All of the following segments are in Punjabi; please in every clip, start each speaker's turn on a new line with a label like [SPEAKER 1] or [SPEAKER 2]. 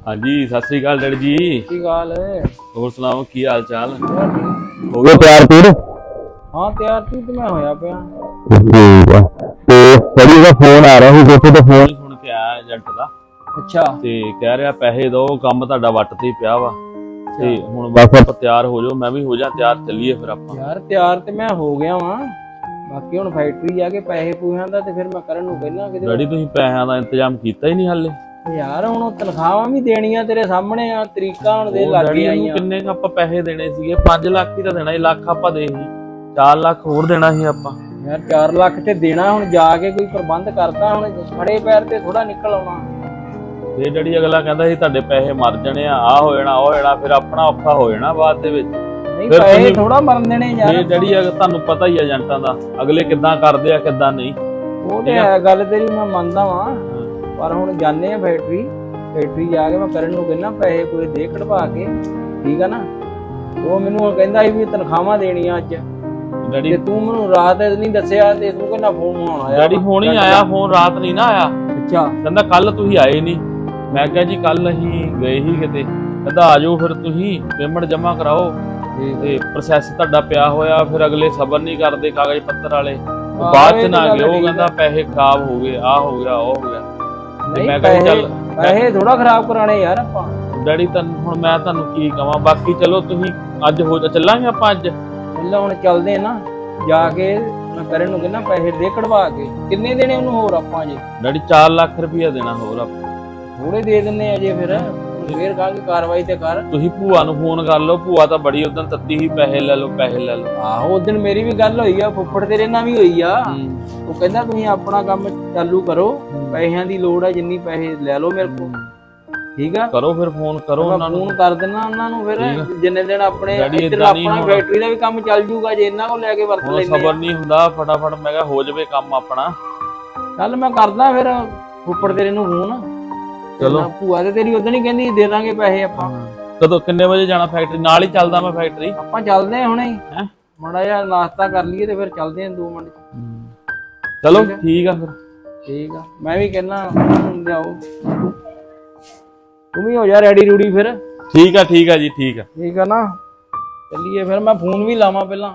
[SPEAKER 1] हाँ जी सत श्री अकाल डैडी जी।
[SPEAKER 2] की गाल है
[SPEAKER 1] और सुनाओ की हाल चाल
[SPEAKER 2] हो
[SPEAKER 1] गया तैयार फिर?
[SPEAKER 2] हाँ तैयार तू तो मैं होया पिया
[SPEAKER 1] ठीक है ते डैडी का फोन आ रहा ਸੀ ਜਿੱਥੇ ਤੋਂ ਫੋਨ ਸੁਣ ਕੇ ਆਇਆ ਏਜੰਟ ਦਾ।
[SPEAKER 2] अच्छा
[SPEAKER 1] ਤੇ ਕਹਿ ਰਿਹਾ ਪੈਸੇ ਦੋ ਕੰਮ ਤੁਹਾਡਾ ਵੱਟ ਤੇ ਹੀ ਪਿਆ ਵਾ ਤੇ ਹੁਣ ਬਸ ਆਪਾਂ ਤਿਆਰ ਹੋ ਜਾਓ ਮੈਂ ਵੀ ਹੋ ਜਾ ਤਿਆਰ ਚੱਲੀਏ ਫਿਰ ਆਪਾਂ।
[SPEAKER 2] यार तैयार ते मैं हो गया वां बाकी हुण फैक्ट्री जाके पैसे पूछां दा ते फिर मैं करन नूं कहना कि
[SPEAKER 1] ਡੈਡੀ ਤੁਸੀਂ ਪੈਸਿਆਂ ਦਾ ਇੰਤਜ਼ਾਮ ਕੀਤਾ ਹੀ ਨਹੀਂ ਹਾਲੇ।
[SPEAKER 2] यार हुण तनखाहां भी देणियां तेरे सामने आ तरीका हुण दे लग
[SPEAKER 1] ਡੈਡੀ
[SPEAKER 2] गया
[SPEAKER 1] ਨੂੰ ਕਿੰਨੇ ਕ ਆਪਾਂ ਪੈਸੇ ਦੇਣੇ ਸੀਗੇ 5 ਲੱਖ ਹੀ ਤਾਂ ਦੇਣਾ ਸੀ ਲੱਖ ਆਪਾਂ ਦੇ ਸੀ 4 ਲੱਖ ਹੋਰ ਦੇਣਾ ਸੀ ਆਪਾਂ।
[SPEAKER 2] यार 4 ਲੱਖ ਤੇ ਦੇਣਾ ਹੁਣ ਜਾ ਕੇ ਕੋਈ ਪ੍ਰਬੰਧ ਕਰਦਾ ਹੁਣ ਖੜੇ ਪੈਰ ਤੇ ਥੋੜਾ ਨਿਕਲ ਆਉਣਾ।
[SPEAKER 1] ਤੇ ਡੈਡੀ ਅਗਲਾ ਕਹਿੰਦਾ ਸੀ ਤੁਹਾਡੇ ਪੈਸੇ ਮਰ ਜਾਣੇ ਆ ਹੋ ਜਾਣਾ ਉਹ ਜਾਣਾ ਫਿਰ ਆਪਣਾ ਔਖਾ ਹੋ ਜਾਣਾ ਬਾਅਦ ਦੇ ਵਿੱਚ।
[SPEAKER 2] ਨਹੀਂ
[SPEAKER 1] ਫਿਰ
[SPEAKER 2] ਪੈਸੇ
[SPEAKER 1] ਤੁਸੀਂ-
[SPEAKER 2] ਥੋੜਾ ਮਰਨ ਦੇਣੇ ਯਾਰ।
[SPEAKER 1] ਇਹ ਡੈਡੀ ਤੁਹਾਨੂੰ ਪਤਾ ਹੀ ਆ ਏਜੰਟਾਂ ਦਾ ਅਗਲੇ ਕਿੱਦਾਂ ਕਰਦੇ ਆ ਕਿੱਦਾਂ ਨਹੀਂ।
[SPEAKER 2] ਉਹ ਤੇ ਹੈ ਗੱਲ ਤੇਰੀ ਮੈਂ ਮੰਨਦਾ ਵਾਂ ਪਰ ਹੁਣ ਜਾਣੇ ਆ ਫੈਕਟਰੀ ਜਾ ਕੇ ਮੈਂ ਕਰਨ ਨੂੰ ਕਹਿੰਦਾ ਪੈਸੇ ਕੋਈ ਦੇ ਕਢਵਾ ਕੇ ਠੀਕ ਆ ਨਾ। ਉਹ ਮੈਨੂੰ ਕਹਿੰਦਾ ਸੀ ਵੀ ਤਨਖਾਹਾਂ ਦੇਣੀਆਂ ਅੱਜ
[SPEAKER 1] ਡੈਡੀ
[SPEAKER 2] ਤੇ ਤੂੰ ਮੈਨੂੰ ਰਾਤ ਨਹੀਂ ਦੱਸਿਆ ਤੇ ਤੂੰ ਕਹਿੰਦਾ ਫੋਨ ਆਉਣਾ
[SPEAKER 1] ਡੈਡੀ ਫੋਨ ਹੀ ਆਇਆ ਫੋਨ ਰਾਤ ਨਹੀਂ ਨਾ ਆਇਆ।
[SPEAKER 2] ਅੱਛਾ
[SPEAKER 1] ਕਹਿੰਦਾ ਕੱਲ ਤੁਸੀਂ ਆਏ ਨਹੀਂ। ਮੈਂ ਕਿਹਾ ਜੀ ਕੱਲ ਅਸੀਂ ਗਏ ਹੀ ਕਿਤੇ। ਕਹਿੰਦਾ ਆ ਜਾਓ ਫਿਰ ਤੁਸੀਂ ਪੇਮੈਂਟ ਜਮ੍ਹਾਂ ਕਰਾਓ ਤੇ ਪ੍ਰੋਸੈਸ ਤੁਹਾਡਾ ਪਿਆ ਹੋਇਆ ਫਿਰ ਅਗਲੇ ਸਬਰ ਨਹੀਂ ਕਰਦੇ ਕਾਗਜ਼ ਪੱਤਰ ਵਾਲੇ ਬਾਅਦ ਚ ਨਾ ਗਏ। ਉਹ ਕਹਿੰਦਾ ਪੈਸੇ ਖਰਾਬ ਹੋ ਗਏ ਆ ਹੋ ਗਿਆ ਉਹ ਹੋ ਗਿਆ ਤੇ ਮੈਂ ਕਿਹਾ ਚੱਲ
[SPEAKER 2] ਪੈਸੇ ਥੋੜਾ ਖਰਾਬ ਕਰਾਣੇ ਯਾਰ ਆਪਾਂ।
[SPEAKER 1] ਡੈਡੀ ਹੁਣ ਮੈਂ ਤੁਹਾਨੂੰ ਕੀ ਕਵਾਂ ਬਾਕੀ ਚਲੋ ਤੁਸੀਂ ਅੱਜ ਹੋ ਚੱਲਾਂਗੇ ਆਪਾਂ ਅੱਜ।
[SPEAKER 2] ਪਹਿਲਾਂ ਹੁਣ ਚੱਲਦੇ ਨਾ ਜਾ ਕੇ ਮੈਂ ਕਰਨ ਨੂੰ ਕਹਿੰਦਾ ਪੈਸੇ ਦੇ ਕਢਵਾ ਕੇ ਕਿੰਨੇ ਦੇਣੇ ਉਹਨੂੰ ਹੋਰ ਆਪਾਂ ਜੇ।
[SPEAKER 1] ਡੈਡੀ 4 ਲੱਖ ਰੁਪਇਆ ਦੇਣਾ ਹੋਰ ਆਪਾਂ।
[SPEAKER 2] ਥੋੜੇ ਦੇ ਦਿੰਨੇ ਅਜੇ ਫਿਰ ਕਹਾਂਗੇ ਕਾਰਵਾਈ ਤੇ ਕਰ।
[SPEAKER 1] ਤੁਸੀਂ ਭੂਆ ਨੂੰ ਫੋਨ ਕਰ ਲਓ ਭੂਆ ਤਾਂ ਬੜੀ ਉਦੋਂ ਤੱਤੀ ਹੀ ਪੈਸੇ ਲੈ ਲਓ ਪੈਸੇ ਲੈ ਲਓ।
[SPEAKER 2] ਆਹੋ ਉਸ ਦਿਨ ਮੇਰੀ ਵੀ ਗੱਲ ਹੋਈ ਆ ਫੁੱਫੜ ਤੇਰੇ ਨਾਲ ਵੀ ਹੋਈ ਆ। ਉਹ ਕਹਿੰਦਾ ਤੁਸੀਂ ਆਪਣਾ ਕੰਮ ਚਾਲੂ ਕਰੋ ਪੈਸਿਆਂ ਦੀ ਲੋੜ ਆ ਜਿੰਨੀ ਪੈਸੇ ਲੈ ਲਓ ਮੇਰੇ ਕੋਲ ਠੀਕ ਆ।
[SPEAKER 1] ਕਰੋ ਫਿਰ ਫੋਨ ਕਰੋ ਉਹਨਾਂ ਨੂੰ।
[SPEAKER 2] ਫੋਨ ਕਰ ਦੇਣਾ ਉਹਨਾਂ ਨੂੰ ਫਿਰ ਜਿੰਨੇ ਦਿਨ ਆਪਣੇ
[SPEAKER 1] ਡੈਡੀ
[SPEAKER 2] ਇੱਧਰ
[SPEAKER 1] ਏਦਾਂ ਨਹੀਂ
[SPEAKER 2] ਆਪਣਾ
[SPEAKER 1] ਹੋਣਾ।
[SPEAKER 2] ਫੈਕਟਰੀ ਦਾ ਵੀ ਕੰਮ ਚੱਲ ਜੂਗਾ ਜੇ ਇਹਨਾਂ ਕੋਲ ਲੈ ਕੇ ਵਰਤ
[SPEAKER 1] ਹੁਣ
[SPEAKER 2] ਲੈਂਦੇ
[SPEAKER 1] ਸਬਰ ਨਹੀਂ ਹੁੰਦਾ ਫਟਾਫਟ ਮੈਂ ਕਿਹਾ ਹੋ ਜਾਵੇ ਕੰਮ ਆਪਣਾ।
[SPEAKER 2] ਚੱਲ ਮੈਂ ਕਰਦਾ ਫਿਰ ਫੁੱਫੜ ਤੇਰੇ ਨੂੰ ਫੋਨ।
[SPEAKER 1] ਚਲੋ
[SPEAKER 2] ਭੂਆ ਤੇ ਤੇਰੀ ਉਦੋਂ ਹੀ ਕਹਿੰਦੀ ਦੇ ਦਾਂਗੇ ਪੈਸੇ ਆਪਾਂ।
[SPEAKER 1] ਕਦੋਂ ਕਿੰਨੇ ਵਜੇ ਜਾਣਾ ਫੈਕਟਰੀ ਨਾਲ ਹੀ ਚੱਲਦਾ ਮੈਂ ਫੈਕਟਰੀ।
[SPEAKER 2] ਆਪਾਂ ਚੱਲਦੇ ਆ ਹੁਣੇ
[SPEAKER 1] ਹੈਂ?
[SPEAKER 2] ਮਾੜਾ ਜਿਹਾ ਨਾਸ਼ਤਾ ਕਰ ਲਈਏ ਤੇ ਫਿਰ ਚੱਲਦੇ ਆ 2 ਮਿੰਟ
[SPEAKER 1] ਚਲੋ ਠੀਕ ਆ ਫਿਰ।
[SPEAKER 2] ਠੀਕ ਆ ਮੈਂ ਵੀ ਕਹਿਣਾ ਲਿਆਓ ਤੂੰ ਵੀ ਹੋ ਜਾ ਰੈਡੀ ਰੂਡੀ ਫਿਰ।
[SPEAKER 1] ਠੀਕ ਆ ਜੀ ਠੀਕ ਆ।
[SPEAKER 2] ਠੀਕ ਆ ਨਾ ਚੱਲੀਏ ਫਿਰ ਮੈਂ ਫੋਨ ਵੀ ਲਾਵਾਂ ਪਹਿਲਾਂ।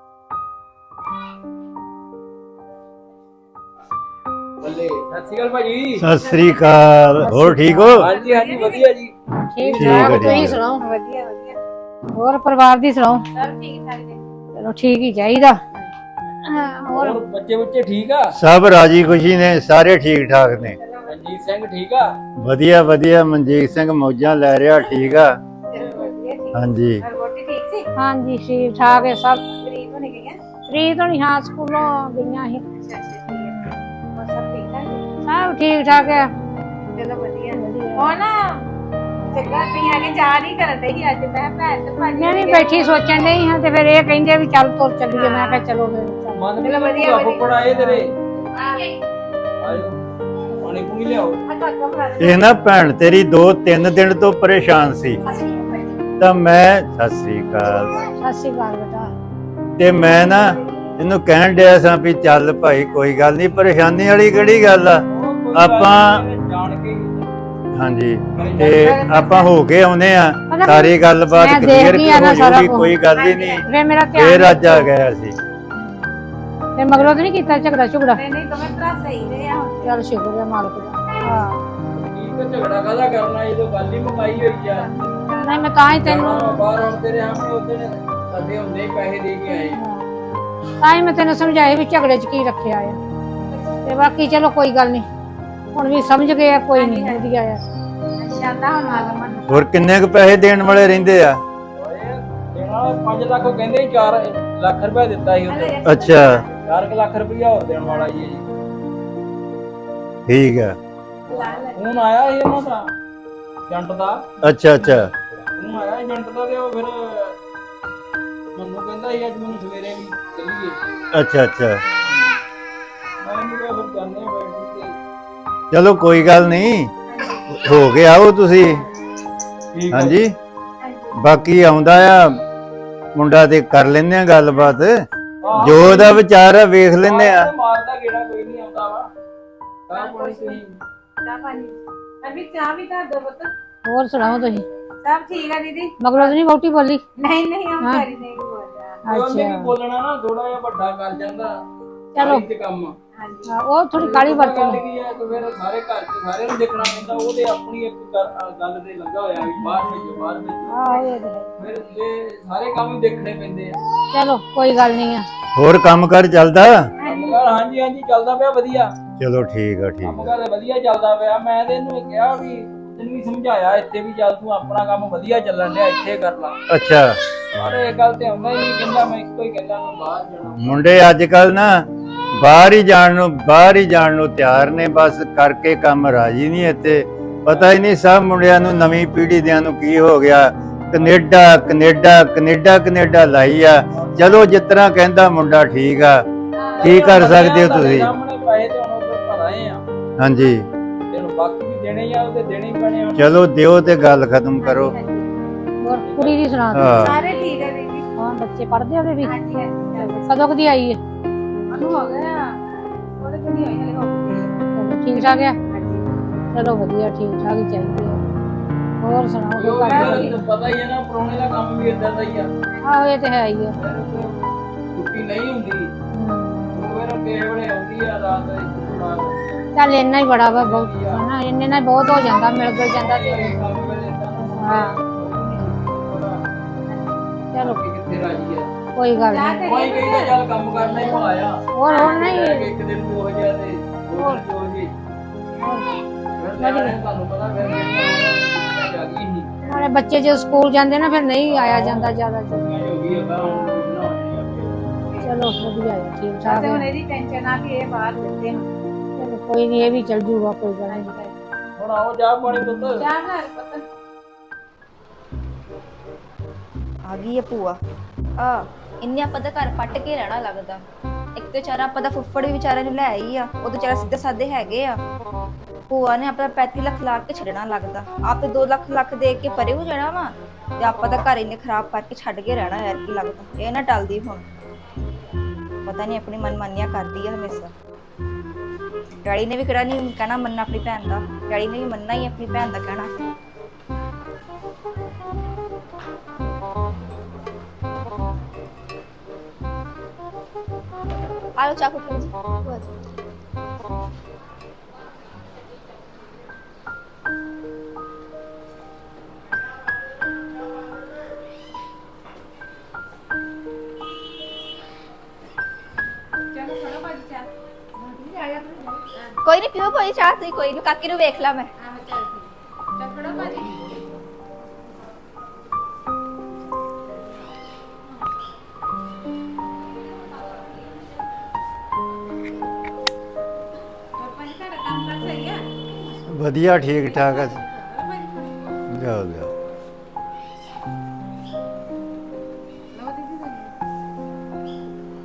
[SPEAKER 2] ਬੱਲੇ ਸਤਿ ਸ਼੍ਰੀ ਅਕਾਲ ਭਾਜੀ।
[SPEAKER 3] ਸਤਿ ਸ੍ਰੀ ਅਕਾਲ ਹੋਰ ਠੀਕ ਹੋ?
[SPEAKER 2] ਹਾਂਜੀ ਹਾਂਜੀ ਵਧੀਆ ਜੀ
[SPEAKER 4] ਠੀਕ
[SPEAKER 3] ਠੀਕ ਹੈ
[SPEAKER 4] ਠਾਕ
[SPEAKER 3] ਜੀ।
[SPEAKER 4] ਤੁਸੀਂ ਸੁਣਾਓ? ਵਧੀਆ ਵਧੀਆ। ਹੋਰ ਪਰਿਵਾਰ ਦੀ ਸੁਣਾਓ? ਸਭ ਠੀਕ ਠਾਕ ਜੀ। ਚਲੋ ਠੀਕ ਹੀ ਚਾਹੀਦਾ।
[SPEAKER 2] ਹੋਰ ਬੱਚੇ ਠੀਕ ਆ?
[SPEAKER 3] ਸਭ ਰਾਜੀ ਖੁਸ਼ੀ ਨੇ ਸਾਰੇ ਠੀਕ ਠਾਕ ਨੇ।
[SPEAKER 2] ਮਨਜੀਤ ਸਿੰਘ ਠੀਕ ਆ?
[SPEAKER 3] ਵਧੀਆ ਵਧੀਆ ਮਨਜੀਤ ਸਿੰਘ ਮੌਜਾਂ ਲੈ ਰਿਹਾ ਠੀਕ ਆ। ਹਾਂਜੀ
[SPEAKER 4] ਹਾਂਜੀ ਠੀਕ ਠਾਕ ਹੈ ਸਭ। ਪ੍ਰੀਤ ਹੋਣੀ ਹਾਂ ਸਕੂਲੋਂ ਗਈਆਂ ਸੀ। ਸਭ ਠੀਕ ਠਾਕ ਹੈ।
[SPEAKER 5] ਚਲੋ ਵਧੀਆ ਉਹ ਨਾ ਚੰਗਾ ਨਹੀਂ ਹੈਗੇ ਜਾ ਨਹੀਂ ਕਰਨ ਦੇ ਸੀ ਅੱਜ ਮੈਂ ਭੈਣ ਤੇ ਭਾਜੀ
[SPEAKER 4] ਮੈਂ ਵੀ ਬੈਠੀ ਸੋਚਣ ਡਈ ਹਾਂ ਤੇ ਫਿਰ ਇਹ ਕਹਿੰਦੇ ਵੀ ਚੱਲ ਤੁਰ ਚੱਲੀਏ। ਮੈਂ ਕਿਹਾ ਚਲੋ ਫਿਰ ਚੱਲ।
[SPEAKER 2] ਮਨ
[SPEAKER 5] ਚਲੋ ਵਧੀਆ, ਵਧੀਆ।
[SPEAKER 2] ਫੁੱਫੜ ਆਏ ਤੇਰੇ
[SPEAKER 5] ਆ
[SPEAKER 2] ਆਇਓ ਪਾਣੀ ਪੂਣੀ ਲਿਆਓ।
[SPEAKER 5] ਕਾਕਾ ਭਰਾ
[SPEAKER 3] ਇਹ ਨਾ ਭੈਣ ਤੇਰੀ 2-3 ਦਿਨ ਤੋਂ ਪਰੇਸ਼ਾਨ ਸੀ ਤਾਂ ਮੈਂ ਸਤਿ ਸ੍ਰੀ ਅਕਾਲ
[SPEAKER 4] ਸਤਿ ਸ਼੍ਰੀ ਅਕਾਲ ਬੇਟਾ।
[SPEAKER 3] ਤੇ ਮੈਂ ਨਾ ਇਹਨੂੰ ਕਹਿਣ ਡਿਆ ਸਾਂ ਵੀ ਚੱਲ ਭਾਈ ਕੋਈ ਗੱਲ ਨਹੀਂ ਪਰੇਸ਼ਾਨੀ ਵਾਲੀ ਕਿਹੜੀ ਗੱਲ ਆ। ਆਪਾਂ
[SPEAKER 2] ਜਾਣ ਕੇ
[SPEAKER 3] ਹਾਂਜੀ ਤੇ ਆਪਾਂ ਹੋ ਕੇ ਆਉਨੇ ਆ ਸਾਰੀ ਗੱਲਬਾਤ
[SPEAKER 4] ਮੈਂ
[SPEAKER 3] ਕਲੀਅਰ
[SPEAKER 4] ਦੇਖਦੀ ਆ ਨਾ
[SPEAKER 3] ਹੋ
[SPEAKER 4] ਸਾਰਾ
[SPEAKER 3] ਜਾਊਗੀ
[SPEAKER 4] ਕੁਛ।
[SPEAKER 3] ਕੋਈ ਗੱਲ ਹੀ ਨਹੀਂ।
[SPEAKER 4] ਫਿਰ ਮੇਰਾ
[SPEAKER 3] ਫੇਰ
[SPEAKER 4] ਧਿਆਨ
[SPEAKER 3] ਅੱਜ ਆ ਗਿਆ ਸੀ।
[SPEAKER 4] ਫਿਰ ਮਗਰੋਂ ਤਾਂ ਨਹੀਂ ਕੀਤਾ ਝਗੜਾ ਝੁਗੜਾ?
[SPEAKER 5] ਨਹੀਂ ਨਹੀਂ ਦੋਵੇਂ ਭਰਾ ਸਹੀ ਰਹੇ ਆ ਹੁਣ।
[SPEAKER 4] ਚੱਲ ਸ਼ੁਕਰ ਹੈ ਮਾਲਕ ਦਾ। ਹਾਂ
[SPEAKER 2] ਠੀਕ ਹੈ ਝਗੜਾ ਕਾਹਦਾ ਕਰਨਾ ਜਦੋਂ ਗੱਲ ਹੀ ਮੁਕਾਈ ਹੋਈ ਆ।
[SPEAKER 4] ਨਹੀਂ ਮੈਂ ਤਾਂ ਹੀ ਤੈਨੂੰ
[SPEAKER 2] ਬਾਹਰ ਹੁਣ ਤੇਰੇ ਸਾਹਮਣੇ ਉਹਦੇ ਨੇ ਸਾਡੇ ਹੁੰਦੇ ਹੀ ਪੈਸੇ ਦੇ ਕੇ ਆਏ।
[SPEAKER 4] ਤਾਂ ਹੀ ਮੈਂ ਤੈਨੂੰ ਸਮਝਾਇਆ ਵੀ ਝਗੜੇ 'ਚ ਕੀ ਰੱਖਿਆ ਆ। ਤੇ ਬਾਕੀ ਚਲੋ ਕੋਈ ਗੱਲ ਨਹੀਂ ਹੁਣ ਵੀ ਸਮਝ ਗਏ ਆ ਕੋਈ ਨਹੀਂ ਵਧੀਆ ਆ।
[SPEAKER 5] ਜਾਂਦਾ ਹੁਣ ਆਗਮਨ
[SPEAKER 3] ਹੋਰ ਕਿੰਨੇ ਕੁ ਪੈਸੇ ਦੇਣ ਵਾਲੇ ਰਹਿੰਦੇ ਆ?
[SPEAKER 2] ਦੇਣਾ 5 ਲੱਖ ਉਹ ਕਹਿੰਦੇ 4 ਲੱਖ ਰੁਪਏ ਦਿੱਤਾ ਸੀ ਉਹਦੇ।
[SPEAKER 3] ਅੱਛਾ
[SPEAKER 2] 4 ਲੱਖ ਰੁਪਇਆ ਹੋਰ ਦੇਣ ਵਾਲਾ ਜੀ।
[SPEAKER 3] ਠੀਕ ਆ।
[SPEAKER 2] ਫੋਨ ਆਇਆ ਸੀ ਉਹਨਾਂ ਦਾ ਏਜੰਟ ਦਾ।
[SPEAKER 3] ਅੱਛਾ ਅੱਛਾ
[SPEAKER 2] ਫੋਨ ਆਇਆ ਏਜੰਟ ਦਾ ਤੇ ਉਹ ਫਿਰ ਮੈਨੂੰ ਕਹਿੰਦਾ ਸੀ ਅੱਜ ਮੈਨੂੰ ਸਵੇਰੇ ਵੀ ਚੱਲੀਏ।
[SPEAKER 3] ਅੱਛਾ ਅੱਛਾ
[SPEAKER 2] ਮੈਂ ਨਹੀਂ ਕਿਹਾ ਫਿਰ ਜਾਂਦੇ ਆ ਬੈਠ ਕੇ।
[SPEAKER 3] ਚਲੋ ਕੋਈ ਗੱਲ ਨਹੀਂ ਹੋ ਕੇ ਆਓ ਤੁਸੀਂ।
[SPEAKER 2] ਠੀਕ ਆ।
[SPEAKER 3] ਹਾਂਜੀ ਬਾਕੀ ਆਉਂਦਾ ਆ ਮੁੰਡਾ ਤੇ ਕਰ ਲੈਂਦੇ ਆ ਗੱਲਬਾਤ ਜੋ ਉਹਦਾ ਵਿਚਾਰ ਆ ਵੇਖ ਲੈਂਦੇ ਆ।
[SPEAKER 2] ਮਾਰਦਾ ਗੇੜਾ ਕੋਈ ਨਹੀਂ ਆਉਂਦਾ ਵਾ। ਤਾਂ ਪਾਣੀ ਤੁਸੀਂ
[SPEAKER 5] ਚਾਹ ਪਾਣੀ ਅਭੀ ਚਾਹ ਵੀ ਕਰ ਦੋ ਪੁੱਤ।
[SPEAKER 4] ਹੋਰ ਸੁਣਾਓ ਤੁਸੀਂ?
[SPEAKER 5] ਸਭ ਠੀਕ ਆ ਦੀਦੀ।
[SPEAKER 4] ਮਗਰੋਂ ਤਾਂ ਨਹੀਂ ਵਹੁਟੀ ਬੋਲੀ?
[SPEAKER 5] ਨਹੀਂ ਨਹੀਂ ਉਹ
[SPEAKER 4] ਹਾਂ।
[SPEAKER 5] ਕਰੀ ਨਹੀਂ ਬੋਲਦਾ।
[SPEAKER 2] ਉਹਨੇ ਵੀ
[SPEAKER 4] ਅੱਛਾ
[SPEAKER 2] ਬੋਲਣਾ ਨਾ, ਥੋੜਾ ਜਿਹਾ ਵੱਡਾ ਕਰ ਜਾਂਦਾ
[SPEAKER 4] ਚਲੋ।
[SPEAKER 2] ਤੇ ਕੰਮ।
[SPEAKER 5] ਹਾਂਜੀ
[SPEAKER 4] ਹਾਂ, ਉਹ ਥੋੜੀ ਕਾਲੀ
[SPEAKER 2] ਗੱਲ
[SPEAKER 4] ਵਰਤੋਂ
[SPEAKER 2] ਕੀ ਹੈ ਕਿ ਫਿਰ ਸਾਰੇ ਘਰ ਚ ਸਾਰਿਆਂ ਨੂੰ ਦੇਖਣਾ ਪੈਂਦਾ, ਉਹਦੇ ਆਪਣੀ ਇੱਕ ਗੱਲ ਤੇ ਲੱਗਾ ਹੋਇਆ ਵੀ ਬਾਹਰ ਭੇਜੋ ਬਾਹਰ ਭੇਜੋ।
[SPEAKER 4] ਆਹੋ ਇਹ ਤਾਂ ਹੈ।
[SPEAKER 2] ਫਿਰ ਇਹ ਸਾਰੇ ਕੰਮ ਹੀ ਦੇਖਣੇ ਪੈਂਦੇ ਆ।
[SPEAKER 4] ਚਲੋ ਕੋਈ ਗੱਲ ਨਹੀਂ ਆ।
[SPEAKER 3] ਹੋਰ ਕੰਮ ਕਰ ਚੱਲਦਾ?
[SPEAKER 2] ਕੰਮਕਾਰ ਹਾਂਜੀ ਹਾਂਜੀ ਚੱਲਦਾ ਪਿਆ ਵਧੀਆ।
[SPEAKER 3] ਚਲੋ ਠੀਕ ਆ ਠੀਕ ਆ।
[SPEAKER 2] ਕੰਮਕਾਰ ਵਧੀਆ ਚੱਲਦਾ ਪਿਆ। ਮੈਂ ਤੇ ਇਹਨੂੰ ਕਿਹਾ ਵੀ ਤੈਨੂੰ ਵੀ ਸਮਝਾਇਆ ਇੱਥੇ ਵੀ ਚੱਲ ਤੂੰ ਆਪਣਾ ਕੰਮ ਵਧੀਆ ਚੱਲਣ ਡਿਆ, ਇੱਥੇ ਕਰ ਲਾ।
[SPEAKER 3] ਅੱਛਾ
[SPEAKER 2] ਪਰ ਇਹ ਗੱਲ ਤੇ ਆਉਂਦਾ ਹੀ ਨਹੀਂ, ਕਹਿੰਦਾ ਮੈਂ ਇੱਕੋ ਹੀ ਕਹਿੰਦਾ ਮੈਂ ਬਾਹਰ ਜਾਣਾ।
[SPEAKER 3] ਮੁੰਡੇ ਅੱਜ ਕੱਲ ਨਾ ਬਾਹਰ ਹੀ ਜਾਣ ਨੂੰ ਤਿਆਰ ਨੇ, ਬਸ ਕਰਕੇ ਕੰਮ ਰਾਜੀ ਨਹੀਂ ਇੱਥੇ। ਪਤਾ ਹੀ ਨਹੀਂ ਸਭ ਮੁੰਡਿਆਂ ਨੂੰ, ਨਵੀਂ ਪੀੜ੍ਹੀ ਦਿਆਂ ਨੂੰ ਕੀ ਹੋ ਗਿਆ, ਕੈਨੇਡਾ ਕੈਨੇਡਾ ਕੈਨੇਡਾ ਕੈਨੇਡਾ ਲਾਈ ਆ। ਚਲੋ ਜਿਸ ਤਰ੍ਹਾਂ ਕਹਿੰਦਾ ਮੁੰਡਾ ਠੀਕ ਆ, ਕੀ ਕਰ ਸਕਦੇ ਹੋ ਤੁਸੀਂ?
[SPEAKER 2] ਸਾਹਮਣੇ ਪੈਸੇ ਤੇ ਹੁਣ ਉੱਧਰ ਭਰਾਏ ਆ,
[SPEAKER 3] ਹਾਂਜੀ
[SPEAKER 2] ਤੈਨੂੰ ਬਾਕੀ ਵੀ ਦੇਣੇ ਆ, ਉਹਦੇ ਦੇਣੇ ਹੀ ਪੈਣੇ ਆ।
[SPEAKER 3] ਚਲੋ ਦਿਓ ਤੇ ਗੱਲ ਖਤਮ ਕਰੋ।
[SPEAKER 4] ਹੋਰ ਕੁੜੀ ਦੀ ਸੁਣਾ ਦਿਓ।
[SPEAKER 3] ਹਾਂ
[SPEAKER 5] ਸਾਰੇ ਠੀਕ ਆ ਦੀਦੀ।
[SPEAKER 4] ਹਾਂ ਬੱਚੇ ਪੜ੍ਹਦੇ ਉਹਦੇ ਵੀ?
[SPEAKER 5] ਹਾਂਜੀ ਹਾਂਜੀ
[SPEAKER 4] ਕਦੋਂ ਕਦੀ ਆਈ ਹੈ?
[SPEAKER 5] ਉਹਨੂੰ ਹੋ ਗਿਆ ਉਹਦੇ ਕੋਲ ਨਹੀਂ ਹੋਈ ਹਲੇ, ਹੋ ਗਈ।
[SPEAKER 4] ਚਲੋ ਠੀਕ ਠਾਕ ਆ?
[SPEAKER 5] ਹਾਂਜੀ
[SPEAKER 4] ਚਲੋ ਵਧੀਆ, ਠੀਕ ਠਾਕ ਹੀ ਚਾਹੀਦੇ ਆ। ਹੋਰ ਸੁਣਾਓ ਕੋਈ
[SPEAKER 2] ਉਹ
[SPEAKER 4] ਗੱਲ?
[SPEAKER 2] ਤੈਨੂੰ ਪਤਾ ਹੀ ਹੈ ਨਾ, ਪਰੋਣੇ ਦਾ ਕੰਮ ਵੀ ਇਦਾਂ ਦਾ ਹੀ ਆ।
[SPEAKER 4] ਆਹੋ ਇਹ ਤੇ ਹੈ ਹੀ ਆ।
[SPEAKER 2] ਛੁੱਟੀ ਨਹੀਂ ਹੁੰਦੀ,
[SPEAKER 4] ਹਮ,
[SPEAKER 2] ਉਹ ਫਿਰ ਕਿਸੇ ਵੇਲੇ ਆਉਂਦੀ ਆ ਰਾਤ ਦੇ ਬਾਅਦ।
[SPEAKER 4] ਚੱਲ ਇੰਨਾ ਹੀ ਬੜਾ ਵਾ, ਬਹੁਤ ਹਨਾ, ਇੰਨੇ ਨਾਲ ਬਹੁਤ ਹੋ ਜਾਂਦਾ, ਮਿਲ ਗਿਲ ਜਾਂਦਾ ਤੇ।
[SPEAKER 2] ਕੰਮ ਵੇਲੇ ਏਦਾਂ ਨਾ
[SPEAKER 4] ਹਾਂ ਚਲੋ
[SPEAKER 2] ਕਿੱਥੇ ਰਾਜੀ ਆ।
[SPEAKER 4] ਕੋਈ ਗੱਲ ਨਹੀਂ।
[SPEAKER 2] ਕੋਈ ਕਹਿੰਦਾ ਚੱਲ ਕੰਮ ਕਰਨਾ ਹੀ ਭਲਾਇਆ।
[SPEAKER 4] ਹੋਰ ਹੁਣ ਨਹੀਂ
[SPEAKER 2] ਇੱਕ ਦਿਨ ਵੀ ਹੋ ਜਾ ਤੇ ਹੋਰ ਵੀ ਹੋ ਜੀ। ਫਿਰ ਨਿਆਣੇ ਤੁਹਾਨੂੰ ਪਤਾ ਫਿਰ ਜਿਹੜੀਆਂ ਜਾ ਗਈ ਸੀ
[SPEAKER 4] ਨਾਲੇ ਬੱਚੇ ਜਦੋਂ ਸਕੂਲ ਜਾਂਦੇ ਨਾ ਫਿਰ ਨਹੀਂ ਆਇਆ ਜਾਂਦਾ ਜ਼ਿਆਦਾ ਚਿਰ।
[SPEAKER 2] ਹੋ ਗਈ ਅਗਾ ਹੁਣ ਨਾ ਹੋਣੀ
[SPEAKER 4] ਚਲੋ ਵਧੀਆ ਹੈ, ਠੀਕ ਠਾਕ
[SPEAKER 5] ਤੇ
[SPEAKER 4] ਹੈ।
[SPEAKER 5] ਹੁਣ ਇਹਦੀ ਟੈਨਸ਼ਨ ਆ ਕਿ ਇਹ ਬਾਹਰ ਦਿੰਦੇ ਹਨ।
[SPEAKER 4] ਚਲੋ ਕੋਈ ਨਹੀਂ, ਇਹ ਵੀ ਚੱਲ ਜੂਗਾ, ਕੋਈ ਗੱਲ ਨਹੀਂ।
[SPEAKER 2] ਹੁਣ ਆਓ ਚਾਹ ਪਾਣੀ ਪੁੱਤ।
[SPEAKER 5] ਚਾਹ ਬਣਾ ਲੈ ਪੁੱਤ।
[SPEAKER 6] ਆ ਗਈ ਹੈ ਭੂਆ। ਆ ਇੰਨੇ ਆਪਾਂ ਦਾ ਘਰ ਪੱਟ ਕੇ ਰਹਿਣਾ ਲੱਗਦਾ। ਇੱਕ ਤੇ ਵਿਚਾਰਾ ਆਪਾਂ ਦਾ ਫੁੱਫੜ ਵੀ ਵਿਚਾਰੇ ਨੂੰ ਲੈ ਆਈ ਆ, ਉਹ ਵਿਚਾਰਾ ਸਿੱਧੇ ਸਾਦੇ ਹੈਗੇ ਆ। ਭੂਆ ਨੇ ਆਪਣਾ 35 ਲੱਖ ਲਾ ਕੇ ਛੱਡਣਾ ਲੱਗਦਾ। ਆਪੇ 2 ਲੱਖ ਦੇ ਕੇ ਪਰੇ ਹੋ ਜਾਣਾ ਵਾ, ਤੇ ਆਪਾਂ ਦਾ ਘਰ ਇੰਨੇ ਖਰਾਬ ਕਰਕੇ ਛੱਡ ਕੇ ਰਹਿਣਾ ਯਾਰ, ਕੀ ਲੱਗਦਾ ਇਹ ਨਾ ਟਲਦੀ ਹੁਣ। ਪਤਾ ਨਹੀਂ ਆਪਣੀ ਮਨਮਾਨੀਆਂ ਕਰਦੀ ਆ ਹਮੇਸ਼ਾ। ਡੈਡੀ ਨੇ ਵੀ ਕਿਹੜਾ ਨਹੀਂ ਕਹਿਣਾ ਮੰਨਣਾ ਆਪਣੀ ਭੈਣ ਦਾ, ਡੈਡੀ ਨੇ ਵੀ ਮੰਨਣਾ ਹੀ ਆਪਣੀ ਭੈਣ ਦਾ ਕਹਿਣਾ। ਆਲੋ ਚਾਕੂ ਜੀ ਭੂਆ ਜੀ।
[SPEAKER 5] ਚਲੋ ਫੜੋ ਭਾਜੀ ਚਾਹ। ਆ ਜਾ ਤੂੰ।
[SPEAKER 6] ਕੋਈ ਨਹੀਂ ਪੀਓ ਭਾਈ ਚਾਹ, ਤੁਸੀਂ ਕੋਈ ਨਹੀਂ, ਕਾਕੀ ਨੂੰ ਵੇਖ ਲਾ ਮੈਂ।
[SPEAKER 5] ਆਹ ਚੱਲ ਠੀਕ। ਚੱਲ ਫੜੋ ਭਾਜੀ। ਹੋਰ ਭਾਜੀ ਘਰ ਕੰਮ ਕਰ ਸਹੀ ਆ?
[SPEAKER 3] ਵਧੀਆ ਠੀਕ ਠਾਕ ਆ।
[SPEAKER 5] ਚਲੋ ਭਾਜੀ ਫੜੋ।
[SPEAKER 3] ਲਿਆਓ ਲਿਆਓ।
[SPEAKER 5] ਲਓ ਦੀਦੀ ਤੁਹਾਨੂੰ।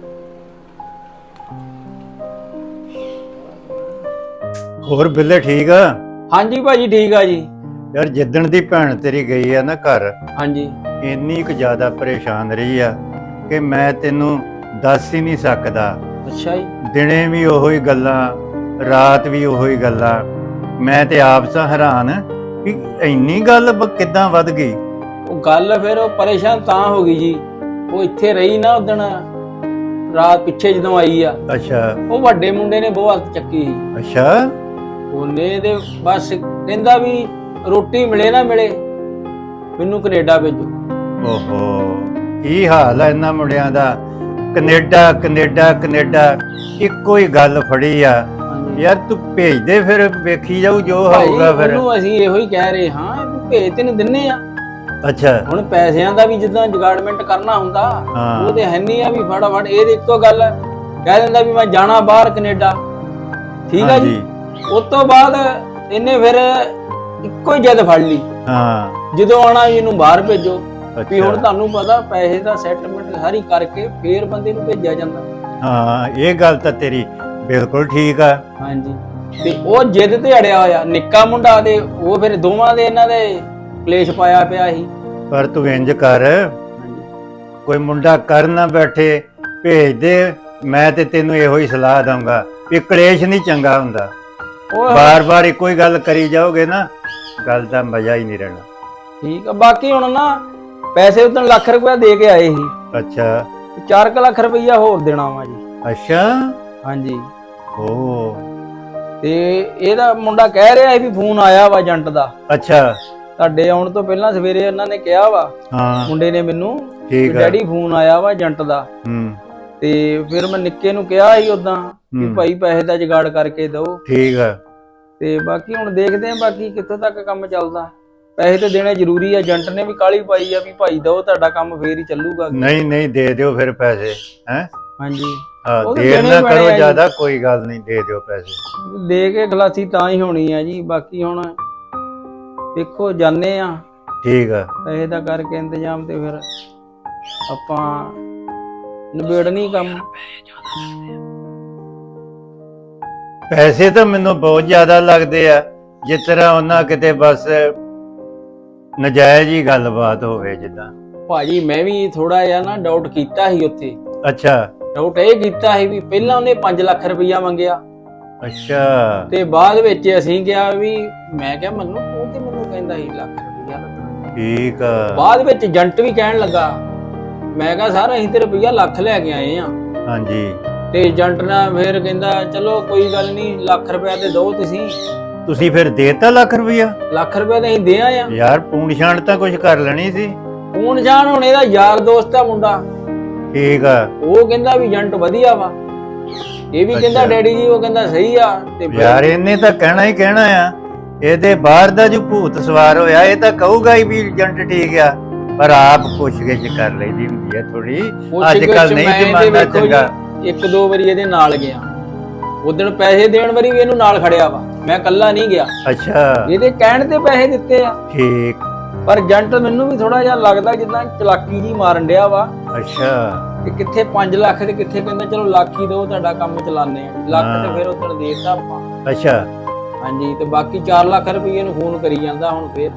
[SPEAKER 3] ਹੋਰ ਬਿੱਲੇ ਠੀਕ ਆ?
[SPEAKER 2] ਹਾਂਜੀ ਭਾਜੀ ਠੀਕ ਆ ਜੀ।
[SPEAKER 3] ਯਾਰ ਜਿੱਦਣ ਦੀ ਭੈਣ ਤੇਰੀ ਗਈ ਆ ਨਾ ਘਰ,
[SPEAKER 2] ਹਾਂਜੀ
[SPEAKER 3] ਇੰਨੀ ਕੁ ਜ਼ਿਆਦਾ ਪਰੇਸ਼ਾਨ ਰਹੀ ਆ ਕਿ ਮੈਂ ਤੈਨੂੰ ਦੱਸ ਹੀ ਨਹੀਂ ਸਕਦਾ।
[SPEAKER 2] ਅੱਛਾ ਜੀ।
[SPEAKER 3] ਦਿਨੇ ਵੀ ਉਹੋ ਹੀ ਗੱਲਾਂ, ਰਾਤ ਵੀ ਉਹੋ ਹੀ ਗੱਲਾਂ। ਮੈਂ ਤੇ ਆਪ ਸਾਂ ਹੈਰਾਨ ਕਿ ਇੰਨੀ ਗੱਲ ਕਿੱਦਾਂ ਵੱਧ ਗਈ।
[SPEAKER 2] ਉਹ ਗੱਲ ਫਿਰ ਉਹ ਪਰੇਸ਼ਾਨ ਤਾਂ ਹੋ ਗਈ ਜੀ, ਉਹ ਇੱਥੇ ਰਹੀ ਨਾ ਉਦਣ ਰਾਤ ਪਿੱਛੇ ਜਦੋਂ ਆਈ ਆ,
[SPEAKER 3] ਅੱਛਾ
[SPEAKER 2] ਉਹ ਵੱਡੇ ਮੁੰਡੇ ਨੇ ਬਹੁਤ ਹੱਥ ਚੱਕੀ ਸੀ।
[SPEAKER 3] ਅੱਛਾ
[SPEAKER 2] ਉਹਨੇ ਤੇ ਬਸ ਕਹਿੰਦਾ ਵੀ ਰੋਟੀ ਮਿਲੇ ਨਾ ਮਿਲੇ ਮੈਨੂੰ ਕੈਨੇਡਾ ਭੇਜੋ।
[SPEAKER 3] ਓਹੋ ਕੀ ਹਾਲ ਆ ਇਹਨਾਂ ਮੁੰਡਿਆਂ ਦਾ, ਕੈਨੇਡਾ ਕੈਨੇਡਾ ਕੈਨੇਡਾ ਇੱਕੋ ਹੀ ਗੱਲ ਫੜੀ ਆ। ਯਾਰ ਤੂੰ ਭੇਜ ਦੇ, ਫਿਰ ਵੇਖੀ ਜਾਊ ਜੋ ਹੋਊਗਾ ਫਿਰ।
[SPEAKER 2] ਉਹਨੂੰ ਅਸੀਂ ਇਹੋ ਹੀ ਕਹਿ ਰਹੇ ਹਾਂ ਵੀ ਭੇਜ ਤੈਨੂੰ ਦਿੰਨੇ ਆ।
[SPEAKER 3] ਅੱਛਾ
[SPEAKER 2] ਹੁਣ ਪੈਸਿਆਂ ਦਾ ਵੀ ਜਿੱਦਾਂ ਜੁਗਾੜਮੈਂਟ ਕਰਨਾ ਹੁੰਦਾ,
[SPEAKER 3] ਹਾਂ।
[SPEAKER 2] ਉਹ ਤੇ ਹੈ ਨਹੀਂ ਆ ਵੀ ਫਟਾਫਟ ਇਹਦੇ ਇੱਕੋ ਗੱਲ ਕਹਿ ਦਿੰਦਾ ਵੀ ਮੈਂ ਜਾਣਾ ਬਾਹਰ ਕੈਨੇਡਾ। ਠੀਕ ਆ ਜੀ। ਉਸ ਤੋਂ ਬਾਅਦ ਇਹਨੇ ਫਿਰ ਇੱਕੋ ਹੀ ਜਿੱਦ ਫੜ ਲਈ,
[SPEAKER 3] ਹਾਂ
[SPEAKER 2] ਜਦੋਂ ਆਉਣਾ ਇਹਨੂੰ ਬਾਹਰ ਭੇਜੋ। ਵੀ ਹੁਣ
[SPEAKER 3] ਅੱਛਾ
[SPEAKER 2] ਤੁਹਾਨੂੰ ਪਤਾ ਪੈਸੇ ਦਾ ਸੈਟਲਮੈਂਟ ਸਾਰੀ ਕਰਕੇ ਫੇਰ ਬੰਦੇ ਨੂੰ ਭੇਜਿਆ ਜਾਂਦਾ।
[SPEAKER 3] ਹਾਂ ਇਹ ਗੱਲ ਤਾਂ ਤੇਰੀ ਬਿਲਕੁਲ ਠੀਕ ਆ।
[SPEAKER 2] ਹਾਂਜੀ ਤੇ ਉਹ ਜਿੱਦ ਤੇ ਅੜਿਆ ਹੋਇਆ, ਨਿੱਕਾ ਮੁੰਡਾ ਤੇ ਉਹ ਫਿਰ ਦੋਵਾਂ ਦੇ ਇਹਨਾਂ ਦੇ ਕਲੇਸ਼ ਪਾਇਆ ਪਿਆ ਸੀ।
[SPEAKER 3] ਪਰ ਤੂੰ ਇੰਜ ਕਰ,
[SPEAKER 2] ਹਾਂਜੀ
[SPEAKER 3] ਕੋਈ ਮੁੰਡਾ ਕਰ ਨਾ ਬੈਠੇ, ਭੇਜ ਦੇ। ਮੈਂ ਤੇ ਤੈਨੂੰ ਇਹੋ ਹੀ ਸਲਾਹ ਦਊਂਗਾ ਵੀ ਕਲੇਸ਼ ਨਹੀਂ ਚੰਗਾ ਹੁੰਦਾ।
[SPEAKER 2] ਉਹ
[SPEAKER 3] ਬਾਰ-ਬਾਰ ਇੱਕੋ ਹੀ ਗੱਲ ਕਰੀ ਜਾਓਗੇ ਨਾ, ਕੱਲ ਦਾ ਮਜ਼ਾ ਹੀ ਨਹੀਂ ਰਹਿਣਾ।
[SPEAKER 2] ਠੀਕ ਆ। ਬਾਕੀ ਹੁਣ ਨਾ ਪੈਸੇ ਉਦੋਂ ਲੱਖ ਰੁਪਇਆ ਦੇ ਕੇ ਆਏ ਸੀ,
[SPEAKER 3] ਅੱਛਾ
[SPEAKER 2] 4 ਲੱਖ ਰੁਪਇਆ ਹੋਰ ਦੇਣਾ ਵਾ ਜੀ।
[SPEAKER 3] ਅੱਛਾ
[SPEAKER 2] ਹਾਂਜੀ।
[SPEAKER 3] ਓ
[SPEAKER 2] ਤੇ ਇਹਦਾ ਮੁੰਡਾ ਕਹਿ ਰਿਹਾ ਸੀ ਵੀ ਫੋਨ ਆਇਆ ਵਾ ਏਜੰਟ ਦਾ,
[SPEAKER 3] ਅੱਛਾ
[SPEAKER 2] ਤੁਹਾਡੇ ਆਉਣ ਤੋਂ ਪਹਿਲਾਂ ਸਵੇਰੇ ਉਹਨਾਂ ਨੇ ਕਿਹਾ ਵਾ,
[SPEAKER 3] ਹਾਂ
[SPEAKER 2] ਮੁੰਡੇ ਨੇ ਮੈਨੂੰ, ਵੀ
[SPEAKER 3] ਠੀਕ ਆ।
[SPEAKER 2] ਡੈਡੀ ਫੋਨ ਆਇਆ ਵਾ ਏਜੰਟ ਦਾ।
[SPEAKER 3] ਹੂੰ
[SPEAKER 2] ਤੇ ਫਿਰ ਮੈਂ ਨਿੱਕੇ ਨੂੰ ਕਿਹਾ ਸੀ ਉਦਾਂ ਵੀ ਭਾਈ ਪੈਸੇ ਦਾ ਜੁਗਾੜ ਕਰਕੇ ਦਿਓ।
[SPEAKER 3] ਠੀਕ ਆ।
[SPEAKER 2] ਤੇ ਬਾਕੀ ਹੁਣ ਦੇਖਦੇ ਆਂ ਬਾਕੀ ਕਿੱਥੋਂ ਤੱਕ ਕੰਮ ਚੱਲਦਾ। ਪੈਸੇ ਤੇ ਦੇਣੇ ਜ਼ਰੂਰੀ ਆ, ਏਜੰਟ ਨੇ ਵੀ ਕਾਹਲੀ ਪਾਈ ਆ ਵੀ ਭਾਈ ਦਿਓ ਤੁਹਾਡਾ ਕੰਮ ਫੇਰ ਹੀ ਚੱਲੂਗਾ।
[SPEAKER 3] ਨਹੀਂ ਨਹੀਂ ਦੇ ਦਿਓ ਫਿਰ ਪੈਸੇ ਹੈ।
[SPEAKER 2] ਹਾਂਜੀ
[SPEAKER 3] ਹਾਂ
[SPEAKER 2] ਉਹ ਤਾਂ
[SPEAKER 3] ਦੇਰ
[SPEAKER 2] ਦੇਣੇ
[SPEAKER 3] ਨਾ
[SPEAKER 2] ਪੈਣੇ
[SPEAKER 3] ਕਰੋ
[SPEAKER 2] ਆ ਜੀ।
[SPEAKER 3] ਜ਼ਿਆਦਾ, ਕੋਈ ਗੱਲ ਨਹੀਂ, ਦੇ ਦਿਓ ਪੈਸੇ।
[SPEAKER 2] ਦੇ ਕੇ ਖਲਾਸੀ ਤਾਂ ਹੀ ਹੋਣੀ ਆ ਜੀ। ਬਾਕੀ ਹੁਣ ਦੇਖੋ ਜਾਣੇ ਆ,
[SPEAKER 3] ਠੀਕ ਆ।
[SPEAKER 2] ਪੈਸੇ ਦਾ ਕਰਕੇ ਇੰਤਜ਼ਾਮ ਤੇ ਫਿਰ ਆਪਾਂ ਨਿਬੇੜਨੀ ਕੰਮ।
[SPEAKER 3] ਪੈਸੇ ਤਾਂ ਮੈਨੂੰ ਬਹੁਤ ਜ਼ਿਆਦਾ ਲੱਗਦੇ ਆ, ਜਿਸ ਤਰ੍ਹਾਂ ਉਹਨਾਂ ਕਿਤੇ ਬਸ ਨਜਾਇਜ਼ ਹੀ ਗੱਲਬਾਤ ਹੋਵੇ ਜਿੱਦਾਂ।
[SPEAKER 2] ਭਾਜੀ ਮੈਂ ਵੀ ਥੋੜਾ ਜਿਹਾ ਨਾ ਡਾਊਟ ਕੀਤਾ ਸੀ ਉੱਥੇ।
[SPEAKER 3] ਅੱਛਾ
[SPEAKER 2] ਡਾਊਟ ਇਹ ਕੀਤਾ ਸੀ ਵੀ ਪਹਿਲਾਂ ਉਹਨੇ 5 ਲੱਖ ਰੁਪਈਆ ਮੰਗਿਆ,
[SPEAKER 3] ਅੱਛਾ
[SPEAKER 2] ਤੇ ਬਾਅਦ ਵਿੱਚ ਅਸੀਂ ਕਿਹਾ ਵੀ, ਮੈਂ ਕਿਹਾ ਮੈਨੂੰ ਤੂੰ ਤੇ ਮੈਨੂੰ ਕਹਿੰਦਾ ਸੀ ਲੱਖ ਰੁਪਈਆ ਲੱਗਣਾ।
[SPEAKER 3] ਠੀਕ ਆ।
[SPEAKER 2] ਬਾਅਦ ਵਿੱਚ ਏਜੰਟ ਵੀ ਕਹਿਣ ਲੱਗਾ, ਮੈਂ ਕਿਹਾ ਸਰ ਅਸੀਂ ਤੇ ਰੁਪਈਆ ਲੱਖ ਲੈ ਕੇ ਆਏ ਆ।
[SPEAKER 3] ਹਾਂਜੀ
[SPEAKER 2] ਤੇ ਏਜੰਟ ਨੇ ਫਿਰ ਕਹਿੰਦਾ ਚਲੋ ਕੋਈ ਗੱਲ ਨਹੀਂ, ਲੱਖ ਰੁਪਇਆ ਤੇ ਦਿਓ ਤੁਸੀਂ।
[SPEAKER 3] ਤੁਸੀਂ ਫਿਰ ਦੇਤਾ ਲੱਖ ਰੁਪਈਆ?
[SPEAKER 2] ਲੱਖ ਰੁਪਇਆ ਤਾਂ ਅਸੀਂ ਦੇ ਆਏ ਆ।
[SPEAKER 3] ਯਾਰ ਪੂਣ ਛਾਣ ਤਾਂ ਕੁਝ ਕਰ ਲੈਣੀ ਸੀ।
[SPEAKER 2] ਹੁਣ ਜਾਣ ਹੁਣ ਇਹਦਾ ਯਾਰ ਦੋਸਤ ਆ ਮੁੰਡਾ,
[SPEAKER 3] ਠੀਕ ਆ।
[SPEAKER 2] ਉਹ ਕਹਿੰਦਾ ਵੀ ਏਜੰਟ ਵਧੀਆ ਵਾ, ਇਹ ਵੀ ਕਹਿੰਦਾ
[SPEAKER 3] ਅੱਛਾ।
[SPEAKER 2] ਡੈਡੀ ਜੀ ਉਹ ਕਹਿੰਦਾ ਸਹੀ ਆ। ਤੇ ਫਿਰ
[SPEAKER 3] ਯਾਰ ਇਹਨੇ ਤਾਂ ਕਹਿਣਾ ਹੀ ਕਹਿਣਾ ਆ, ਇਹਦੇ ਬਾਹਰ ਦਾ ਜੋ ਭੂਤ ਸਵਾਰ ਹੋਇਆ ਇਹ ਤਾਂ ਕਹੂਗਾ ਹੀ ਵੀ ਏਜੰਟ ਠੀਕ ਆ, ਪਰ ਆਪ ਪੁੱਛ ਗਿੱਛ ਕਰ ਲਈਦੀ ਹੁੰਦੀ ਹੈ ਥੋੜੀ। ਅੱਜ ਕੱਲ ਨਹੀਂ ਜ਼ਮਾਨਾ ਚੰਗਾ।
[SPEAKER 2] 1-2 ਵਾਰੀ ਇਹਦੇ ਨਾਲ ਗਿਆ, ਉਦੋਂ ਪੈਸੇ ਦੇਣ ਵਾਰੀ ਵੀ ਇਹਨੂੰ ਨਾਲ ਖੜਿਆ ਵਾ, ਮੈਂ ਇਕੱਲਾ ਨਹੀਂ ਗਿਆ।
[SPEAKER 3] ਅੱਛਾ
[SPEAKER 2] ਇਹਦੇ ਕਹਿਣ ਤੇ ਪੈਸੇ ਦਿੱਤੇ ਆ,
[SPEAKER 3] ਠੀਕ।
[SPEAKER 2] ਪਰ ਏਜੰਟ ਮੈਨੂੰ ਵੀ ਥੋੜਾ ਜਿਹਾ ਲੱਗਦਾ ਜਿੱਦਾਂ ਚਲਾਕੀ ਜੀ ਮਾਰਨ ਡਿਆ ਵਾ।
[SPEAKER 3] ਅੱਛਾ
[SPEAKER 2] ਕਿ ਕਿੱਥੇ 5 ਲੱਖ ਤੇ ਕਿੱਥੇ ਕਹਿੰਦਾ ਚਲੋ ਲੱਖ ਹੀ ਦਿਓ ਤੁਹਾਡਾ ਕੰਮ ਚਲਾਉਂਦੇ ਆ। ਲੱਖ ਤੇ ਫਿਰ ਉਦੋਂ ਦੇਤਾ ਆਪਾਂ।
[SPEAKER 3] ਅੱਛਾ
[SPEAKER 2] ਹਾਂਜੀ ਤੇ ਬਾਕੀ 4 ਲੱਖ ਰੁਪਏ ਨੂੰ ਫੋਨ ਕਰੀ ਜਾਂਦਾ ਹੁਣ ਫੇਰ।